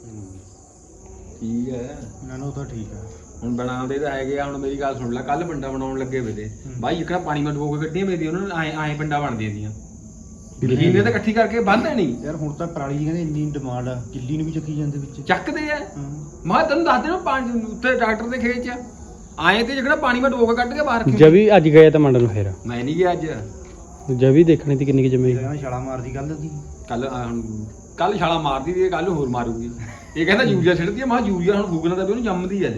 Speaker 3: ਠੀਕ ਹੈ
Speaker 1: ਇਹਨਾਂ ਨੂੰ ਤਾਂ ਠੀਕ ਆ
Speaker 3: ਹੁਣ ਬਣਾਉਂਦੇ ਤਾਂ ਹੈਗੇ ਆ ਹੁਣ ਮੇਰੀ ਗੱਲ ਸੁਣ ਲੈ ਕੱਲ ਪਿੰਡਾ ਬਣਾਉਣ ਲੱਗੇ ਵੇ ਤੇ ਬਾਈ ਇਕੜਾ ਪਾਣੀ ਮਟ ਬੋ ਕੇ ਕੱਢੀਆਂ ਮੇਰੀ ਉਹਨਾਂ ਨੇ ਐ ਐ ਪਿੰਡਾ ਬਣਦੀਆਂ ਦੀਆਂ ਮਸ਼ੀਨ ਨੇ ਤਾਂ ਇਕੱਠੀ ਕਰਕੇ ਬੰਨ੍ਹਦੇ ਨਹੀਂ
Speaker 1: ਯਾਰ ਹੁਣ ਤਾਂ ਪਰਾਲੀ ਦੀ ਕਹਿੰਦੇ ਇੰਨੀ ਡਿਮਾਂਡ ਆ ਕਿੱਲੀ ਨੂੰ ਵੀ ਚੱਕੀ ਜਾਂਦੇ ਵਿੱਚ
Speaker 3: ਚੱਕਦੇ ਆ
Speaker 1: ਹਾਂ।
Speaker 3: ਮੈਂ ਕਿਹਾ ਤੈਨੂੰ ਦੱਸ ਦੇਣਾ ਪਾਣੀ ਉੱਤੇ ਟਰੈਕਟਰ ਦੇ ਖੇਤ 'ਚ ਆਏ ਤੇ ਜਿਹੜਾ ਪਾਣੀ ਮੈਂ ਡੋਬ ਕੇ ਕੱਢ ਕੇ ਬਾਹਰ ਰੱਖੀ
Speaker 4: ਜਵੀ ਅੱਜ ਗਏ ਤਾਂ ਮੰਡ ਨੂੰ ਫੇਰ
Speaker 3: ਮੈਂ ਨਹੀਂ ਗਿਆ ਅੱਜ
Speaker 4: ਜਵੀ ਦੇਖਣੀ ਤੀ ਕਿੰਨੀ ਕਿ ਜਮੀ
Speaker 1: ਇਹਨਾਂ ਛਾਲਾ ਮਾਰਦੀ ਗੱਲ ਦੀ
Speaker 3: ਕੱਲ ਕੱਲ ਛਾਲਾ ਮਾਰਦੀ ਦੀ ਕੱਲ ਹੋਰ ਮਾਰੂਗੀ ਇਹ ਕਹਿੰਦਾ ਯੂਰੀਆ ਛਿੜਦੀ ਆ ਮੈਂ ਕਿਹਾ ਯੂਰੀਆ ਹੁਣ ਫੂਕਣਾ ਤਾਂ ਵੀ ਉਹਨੂੰ ਜੰਮਦੀ ਆ ਲੈ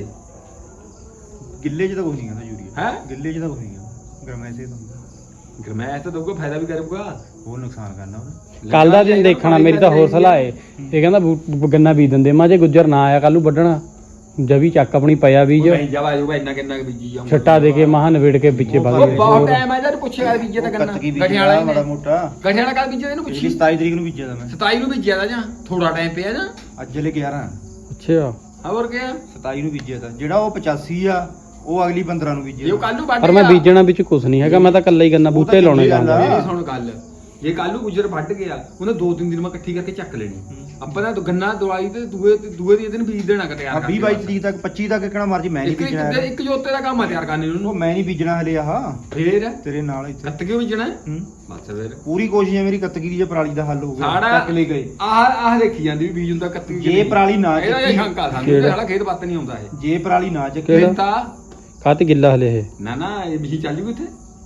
Speaker 1: ਗਿੱਲੇ 'ਚ ਤਾਂ ਕੁਝ ਨਹੀਂ ਕਹਿੰਦਾ ਯੂਰੀਆ
Speaker 3: ਹੈ
Speaker 1: ਗਿੱਲੇ 'ਚ ਤਾਂ ਕੁਝ ਨਹੀਂ ਕਹਿੰਦਾ ਗਰਮੈਸੇ ਤਾਂ
Speaker 3: ਗਰਮੈਸ਼ ਤਾਂ ਦਊਗਾ ਫਾਇਦਾ ਵੀ ਕਰੂਗਾ
Speaker 1: ਹੋਰ ਨੁਕਸਾਨ ਕਰਨਾ ਉਹਨੇ
Speaker 4: ਕੱਲ ਦਾ ਦਿਨ ਦੇਖਣਾ ਮੇਰੀ ਤਾਂ ਹੋਰ ਸਲਾਹ ਏ ਇਹ ਕਹਿੰਦਾ ਬੂ- ਗੰਨਾ ਬੀਜ ਦਿੰਦੇ ਮੈਂ ਜੇ ਗੁੱਜਰ ਨਾ ਆਇਆ ਕੱਲ ਨੂੰ ਵੱਢਣਾ ਜਵੀ ਚੱਕ ਆਪਣੀ ਪਿਆ ਬੀਜ
Speaker 3: ਨਹੀਂ ਜਾਵਾ ਜਾਊਗਾ ਇੰਨਾ ਕਿੰਨਾ ਕੁ ਬੀਜੀ ਜਾਊਗਾ
Speaker 4: ਛੱਟਾ ਦੇ ਕੇ ਮਹਾਂ ਨਵੇੜ ਕੇ ਵਿੱਚੇ ਵਗ
Speaker 3: ਉਹ
Speaker 4: ਗਏ
Speaker 3: ਬਹੁਤ ਟਾਈਮ ਆ ਜਦ ਪੁੱਛਿਆ ਬੀਜੇ ਤਾਂ ਗੰਨਾ
Speaker 1: ਕੱਤਕੀ
Speaker 3: ਗਠਿਆਲਾ
Speaker 1: ਬੀਜਿਆ
Speaker 3: ਹੀ
Speaker 1: ਮਾੜਾ
Speaker 3: ਨੇ
Speaker 1: ਮੋਟਾ
Speaker 3: ਗਠਿਆਲਾ ਕੱਲ ਬੀਜੇ ਇਹਨੂੰ
Speaker 1: ਪਿਛਲੀ
Speaker 3: ਪੁੱਛੀ
Speaker 1: ਸਤਾਈ ਤਰੀਕ ਨੂੰ ਬੀਜਿਆ ਤਾਂ ਮੈਂ
Speaker 3: ਸਤਾਈ ਨੂੰ ਬੀਜਿਆ ਦਾ ਜਾਂ ਥੋੜਾ ਟਾਈਮ ਪਿਆ ਜਾਂ
Speaker 1: ਅੱਜ ਲੈ ਗਿਆਰਾਂ
Speaker 4: ਅੱਛਾ
Speaker 3: ਹੋਰ ਕਿਆ
Speaker 1: ਸਤਾਈ ਨੂੰ ਬੀਜਿਆ ਤਾਂ ਜਿਹੜਾ ਉਹ ਪਚਾਸੀ ਆ ਉਹ ਅਗਲੀ ਪੰਦਰਾਂ ਨੂੰ
Speaker 3: ਜੇ
Speaker 1: ਬੀਜਿਆ
Speaker 3: ਉਹ ਕੱਲ ਨੂੰ ਵੱਢ
Speaker 4: ਪਰ ਮੈਂ
Speaker 3: ਗਿਆ-
Speaker 4: ਬੀਜਣਾ ਵਿੱਚ ਕੁਝ ਨਹੀਂ ਹੈਗਾ ਮੈਂ ਤਾਂ ਕੱਲਾ ਹੀ ਗੰਨਾ ਬੂਟੇ ਲਾਉਣੇ
Speaker 1: ਚੰਗੀ ਗੱਲ
Speaker 4: ਜਾਂਦਾ
Speaker 1: ਆ।
Speaker 3: ਮੇਰੀ ਸੁਣ ਗੱਲ ਜੇ ਕੱਲ ਨੂੰ ਗੁਜਰ ਵੱਢ ਗਿਆ ਉਹਨੇ ਦੋ ਤਿੰਨ ਦਿਨ ਮੈਂ ਇਕੱਠੀ ਕਰਕੇ ਚੱਕ ਲੈਣੀ ਆਪਾਂ ਤਾਂ ਗੰਨਾ ਦਵਾਈ ਤੇ ਦੂਏ ਦੂਏ ਦੀ ਦਿਨ ਬੀਜ ਦੇਣਾ ਤਿਆਰ
Speaker 1: ਆ
Speaker 3: ਕਰਕੇ
Speaker 1: ਵੀਹ ਬਾਈ ਤਰੀਕ ਤੱਕ ਪੱਚੀ ਤੱਕ ਕਿਹੜਾ ਮਰਜੀ ਮੈਂ ਨਹੀਂ
Speaker 3: ਇੱਕ
Speaker 1: ਬੀਜਣਾ
Speaker 3: ਇੱਕ ਇੱਕ ਜੋਤੇ ਦਾ ਕੰਮ ਆ ਤਿਆਰ ਕਰਨੇ
Speaker 1: ਉਹ
Speaker 3: ਉਹਨੂੰ
Speaker 1: ਮੈਂ ਨਹੀਂ ਬੀਜਣਾ ਹਲੇ ਆਹ
Speaker 3: ਫੇਰ
Speaker 1: ਤੇਰੇ ਨਾਲ ਇੱਥੇ
Speaker 3: ਕੱਤ ਕਿਉਂ ਬੀਜਣਾ
Speaker 1: ਹੂੰ।
Speaker 3: ਬਸ ਫੇਰ
Speaker 1: ਪੂਰੀ ਕੋਸ਼ਿਸ਼ ਹੈ ਮੇਰੀ ਕੱਤਗੀ ਦੀ ਜੇ ਪਰਾਲੀ ਦਾ ਹੱਲ ਹੋ ਗਿਆ
Speaker 3: ਸਾੜਾ
Speaker 1: ਚੱਕ ਲੈ ਗਏ
Speaker 3: ਆਹ ਆਹ ਦੇਖੀ ਜਾਂਦੀ ਵੀ ਬੀਜ ਹੁੰਦਾ ਕੱਤੀ
Speaker 1: ਜੇ ਪਰਾਲੀ ਨਾ
Speaker 3: ਇਹਦਾ ਇਹ
Speaker 1: ਚੱਕੀ
Speaker 3: ਸ਼ੰਕਾ ਸਾਨੂੰ ਤੇ ਸਾਡਾ ਖੇਤ ਪੱਤ ਨਹੀਂ ਆਉਂਦਾ ਇਹ
Speaker 1: ਜੇ ਪਰਾਲੀ ਨਾ ਚੱਕੀ
Speaker 4: ਕਿਹੜਾ?
Speaker 3: ਤਾਂ
Speaker 4: ਕਾਤੇ ਗਿੱਲਾ ਹਲੇ ਇਹ
Speaker 3: ਨਾ ਨਾ ਇਹ ਵੀ ਚੱਲ ਜੂਗੀ ਇੱਥੇ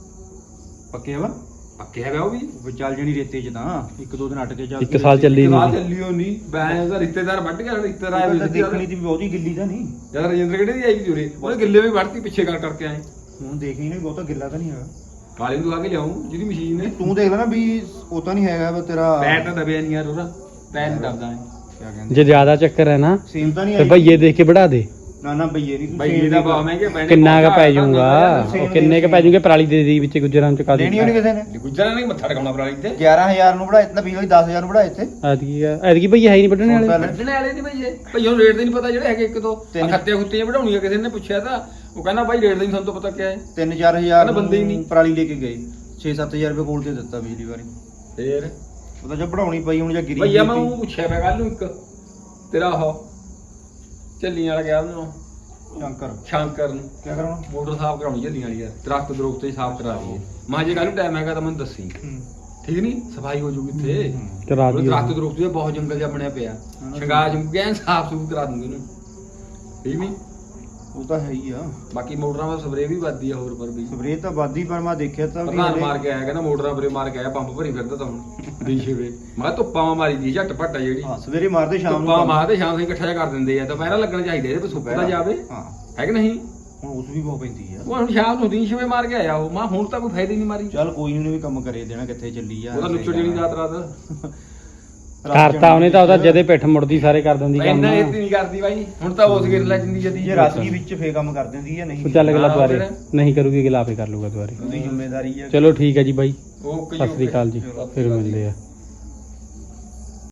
Speaker 1: ਪੱਕੇ ਵਾ
Speaker 3: ਪੱਕੇ ਹੈਗਾ ਉਹ ਵੀ
Speaker 1: ਉਹ ਚੱਲ ਜਣੀ ਰੇਤੇ 'ਚ ਤਾਂ ਇੱਕ ਦੋ ਦਿਨ ਅਟ ਕੇ ਚੱਲ
Speaker 4: ਇੱਕ ਸਾਲ ਚੱਲੀ
Speaker 3: ਬਾਹਰ
Speaker 4: ਨਹੀਂ
Speaker 3: ਚੱਲੀ ਉਹ ਨਹੀਂ ਬੈਂ ਉਹਦਾ ਰਿਸ਼ਤੇਦਾਰ ਵੱਢ ਗਿਆ ਰਿਸ਼ਤੇਦਾਰ ਆਏ
Speaker 1: ਤਾਂ
Speaker 3: ਹੋਏ ਸੀ
Speaker 1: ਦੇਖਣੀ ਤੀ ਵੀ ਬਹੁਤੀ ਗਿੱਲੀ ਤਾਂ ਨਹੀਂ
Speaker 3: ਜਦ ਰਜਿੰਦਰ ਕਿਹੜੇ ਦੀ ਆਈ ਵੀ ਜੁਰੇ ਉਹਨੇ ਗਿੱਲੇ ਵੀ ਵੱਢਤੀ ਪਿੱਛੇ ਕਰ ਕਰਕੇ ਆਏ
Speaker 1: ਹੁਣ ਦੇਖੀ ਨਹੀਂ ਬਹੁਤਾ ਗਿੱਲਾ ਤਾਂ ਨਹੀਂ ਹੈਗਾ
Speaker 3: ਕਾਲੇ ਨੂੰ ਆ ਕੇ ਲਿਆਉਂ ਜਿਹਦੀ ਮਸ਼ੀਨ ਨੇ
Speaker 1: ਤੂੰ ਦੇਖ ਲੈ ਨਾ ਵੀ ਉਹ ਤਾਂ ਨਹੀਂ ਹੈਗਾ ਵਾ ਤੇਰਾ
Speaker 3: ਪੈਰ ਤਾਂ ਦਬਿਆ ਨਹੀਂ ਯਾਰ ਉਹਦਾ ਪੈਰ ਨਹੀਂ ਦਬਦਾ ਐ
Speaker 1: ਕਿਆ ਕਹਿੰਦੇ
Speaker 4: ਜੇ ਜ਼ਿਆਦਾ ਚੱਕਰ ਹੈ ਨਾ
Speaker 1: ਸੇਮ ਤਾਂ ਨਹੀਂ
Speaker 4: ਤੇ
Speaker 1: ਆਈ
Speaker 4: ਭਈਏ ਦੇਖ ਕੇ ਵੜਾ ਦੇ
Speaker 1: ਨਾ ਨਾ ਬਈਏ ਨਹੀਂ
Speaker 3: ਬਈ ਦਾ ਬਹੁਤ ਮਹਿੰਗੇ ਪੈਣੇ
Speaker 4: ਕਿੰਨਾ ਕ ਪੈ ਜਾਊਗਾ ਉਹ ਕਿੰਨੇ ਕ ਪੈ ਜਾਊਗੇ ਪਰਾਲੀ ਦੇ ਦੀ ਵਿੱਚ ਗੁੱਜਰਾਂ ਚ ਕਾ
Speaker 1: ਲੈਣੀ ਹੋਣੀ ਕਿਸੇ ਨੇ
Speaker 3: ਗੁੱਜਰਾਂ ਨੇ ਮੱਥਾ ਟਿਕਾਉਣਾ ਪਰਾਲੀ ਤੇ
Speaker 1: ਗਿਆਰਾਂ ਹਜ਼ਾਰ ਨੂੰ ਬੜਾ ਇਤਨਾ ਬਿਜਲੀ ਦਸ ਹਜ਼ਾਰ ਨੂੰ ਬੜਾ ਇੱਥੇ
Speaker 4: ਐਤਕੀ ਆ ਐਤਕੀ ਭਈ ਹੈ ਹੀ ਨਹੀਂ ਵੱਢਣੇ ਵਾਲੇ
Speaker 3: ਵੱਢਣੇ ਵਾਲੇ ਦੀ ਭਈਏ ਭਈਓ ਰੇਟ ਦੇ ਨਹੀਂ ਪਤਾ ਜਿਹੜੇ ਹੈਗੇ ਇੱਕ ਦੋ
Speaker 1: ਤਿੰਨ-
Speaker 3: ਖੱਤੇ ਖੁੱਤੀਆਂ ਵਧਾਉਣੀਆਂ ਕਿਸੇ ਨੇ ਪੁੱਛਿਆ ਤਾਂ ਉਹ ਕਹਿੰਦਾ ਬਾਈ ਰੇਟ ਦਾ ਨਹੀਂ ਸਾਨੂੰ ਤਾਂ ਪਤਾ ਕਿਆ ਹੈ
Speaker 1: ਤਿੰਨ ਚਾਰ ਹਜ਼ਾਰ
Speaker 3: ਕਹਿੰਦਾ ਬੰਦੇ ਹੀ ਨਹੀਂ।
Speaker 1: ਪਰਾਲੀ ਲੈ ਕੇ ਗਏ ਛੇ ਸੱਤ ਹਜ਼ਾਰ ਰੁਪਏ ਕੋਲ ਤੇ ਦਿੱਤਾ ਬਿਜਲੀ ਵਾਰੀ
Speaker 3: ਫੇਰ
Speaker 1: ਉਹ ਤਾਂ ਜੇ ਬਣਾਉਣੀ ਪਈ ਹੁਣ ਜਾਂ ਗਿਰੀ
Speaker 3: ਭਈਆ ਮੈਂ ਉਹ ਪੁੱਛਿਆ ਮੈਂ ਕੱਲ ਨੂੰ ਇੱਕ ਤੇਰਾ ਉਹ ਝੱਲੀਆਂ ਵਾਲਾ ਗਿਆ ਉਹਨੂੰ
Speaker 1: ਸ਼ੰਕਰ
Speaker 3: ਸ਼ੰਕਰ ਨੂੰ
Speaker 1: ਕੀ ਕਰਾਉਣਾ
Speaker 3: ਮੋਟਰ ਸਾਫ਼ ਕਰਾਉਣੀ ਝੱਲੀਆਂ ਵਾਲੀ ਯਾਰ ਦਰਖਤ ਦਰਖਤ ਹੀ ਸਾਫ਼ ਕਰਾ ਲਈਏ ਮਾਂ ਜੇ ਕੱਲ ਨੂੰ ਟਾਈਮ ਹੈਗਾ ਤਾਂ ਮੈਨੂੰ ਦੱਸੀ ਠੀਕ ਨਹੀਂ ਸਫਾਈ ਹੋ ਜੂਗੀ ਇੱਥੇ
Speaker 4: ਕਰਾ
Speaker 3: ਉਹ
Speaker 4: ਦੀ
Speaker 3: ਦਰਖਤ ਦਰਖਤ ਵੀ ਬਹੁਤ ਜੰਗਲ ਜਿਹਾ ਬਣਿਆ ਪਿਆ ਸ਼ਿੰਗਾਰ ਜੰਗਲ ਐਨ ਸਾਫ਼ ਸੂਫ ਕਰਾ ਦੂੰਗੇ ਇਹਨੂੰ ਠੀਕ ਨਹੀਂ
Speaker 1: ਉਹ ਤਾਂ ਹੈ ਹੀ ਆ
Speaker 3: ਬਾਕੀ ਮੋਟਰਾਂ ਦਾ ਸਪਰੇਅ ਵੀ ਵੱਧਦੀ ਆ ਹੋਰ ਪਰ ਵੀ
Speaker 1: ਸਪਰੇਅ ਤਾਂ ਵਾਦੀ ਪਰ ਮੈਂ ਦੇਖਿਆ ਤਾਂ ਵੀ
Speaker 3: ਪ੍ਰਧਾਨ
Speaker 1: ਹਲੇ-
Speaker 3: ਮਾਰ ਕੇ ਆਇਆ ਕਹਿੰਦਾ ਮੋਟਰਾਂ ਪਰੇ ਮਾਰ ਕੇ ਆਇਆ ਪੰਪ ਭਰੀ ਫਿਰਦਾ ਤਾਂ ਹੁਣ ਦੀਸ਼ੇ ਵੇ ਮੈਂ ਕਿਹਾ ਧੁੱਪਾਂ ਮਾਰੀ ਦੀ ਝੱਟ ਭੱਟਾ ਜਿਹੜੀ
Speaker 1: ਹਾਂ ਸਵੇਰੇ ਮਾਰਦੇ ਸ਼ਾਮ ਨੂੰ
Speaker 3: ਧੁੱਪਾਂ ਮਾਰਦੇ ਸ਼ਾਮ ਨੂੰ ਇਕੱਠਾ ਜਿਹਾ ਕਰ ਦਿੰਦੇ ਆ ਦੁਪਹਿਰਾ ਲੱਗਣਾ ਚਾਹੀਦਾ ਇਹਦੇ ਪਰ ਸੁੱਕ ਤਾਂ ਜਾਵੇ
Speaker 1: ਹਾਂ
Speaker 3: ਹੈ ਕਿ ਨਹੀਂ
Speaker 1: ਹੁਣ ਉਸ ਵੀ ਬਹੁਤ ਪੈਂਦੀ ਆ
Speaker 3: ਉਹ ਹੁਣ ਸ਼ਾਮ ਨੂੰ ਦੀਸ਼ੇ ਵੇ ਮਾਰ ਕੇ ਆਇਆ ਉਹ ਮੈਂ ਹੁਣ ਤਾਂ ਕੋਈ ਫਾਇਦਾ ਹੀ ਨਹੀਂ ਮਾਰੀ
Speaker 1: ਚੱਲ ਕੋਈ ਨਹੀਂ ਵੀ ਕੰਮ ਕਰੇ ਦੇਣਾ ਕਿੱਥੇ ਚੱਲੀ ਆ
Speaker 3: ਉਹਦਾ ਨੁੱਚੜ ਜਿਹੜੀ ਰਾਤ ਰਾਤ
Speaker 4: ਕਰਤਾ ਉਹਨੇ ਤਾਂ ਉਹਦਾ ਜਦੇ ਪਿੱਠ ਮੁੜਦੀ ਸਾਰੇ ਕਰ ਦਿੰਦੀ ਕੰਮ
Speaker 3: ਇੰਨਾ ਇਹ ਨਹੀਂ ਕਰਦੀ ਬਾਈ ਹੁਣ ਤਾਂ ਉਸ ਗਿਰ ਲੈ ਜਿੰਦੀ ਜਦੀ
Speaker 1: ਜੇ ਰਾਸੀ ਵਿੱਚ ਫੇ ਕੰਮ ਕਰ ਦਿੰਦੀ ਆ ਨਹੀਂ
Speaker 4: ਉਹ ਚੱਲ ਅਗਲਾ
Speaker 3: ਹਾਂ,
Speaker 4: ਦੁਆਰੇ
Speaker 3: ਫਿਰ?
Speaker 4: ਨਹੀਂ ਕਰੂਗੀ ਅਗਲਾ ਆਪੇ ਕਰ ਲੂਗਾ ਦੁਆਰੇ
Speaker 1: ਉਹਦੀ ਜ਼ਿੰਮੇਵਾਰੀ ਆ
Speaker 4: ਚਲੋ ਠੀਕ ਹੈ ਜੀ ਬਾਈ
Speaker 3: ਓਕੇ
Speaker 4: ਸਤਿ ਸ੍ਰੀ ਅਕਾਲ ਜੀ ਫਿਰ ਮਿਲਦੇ ਆ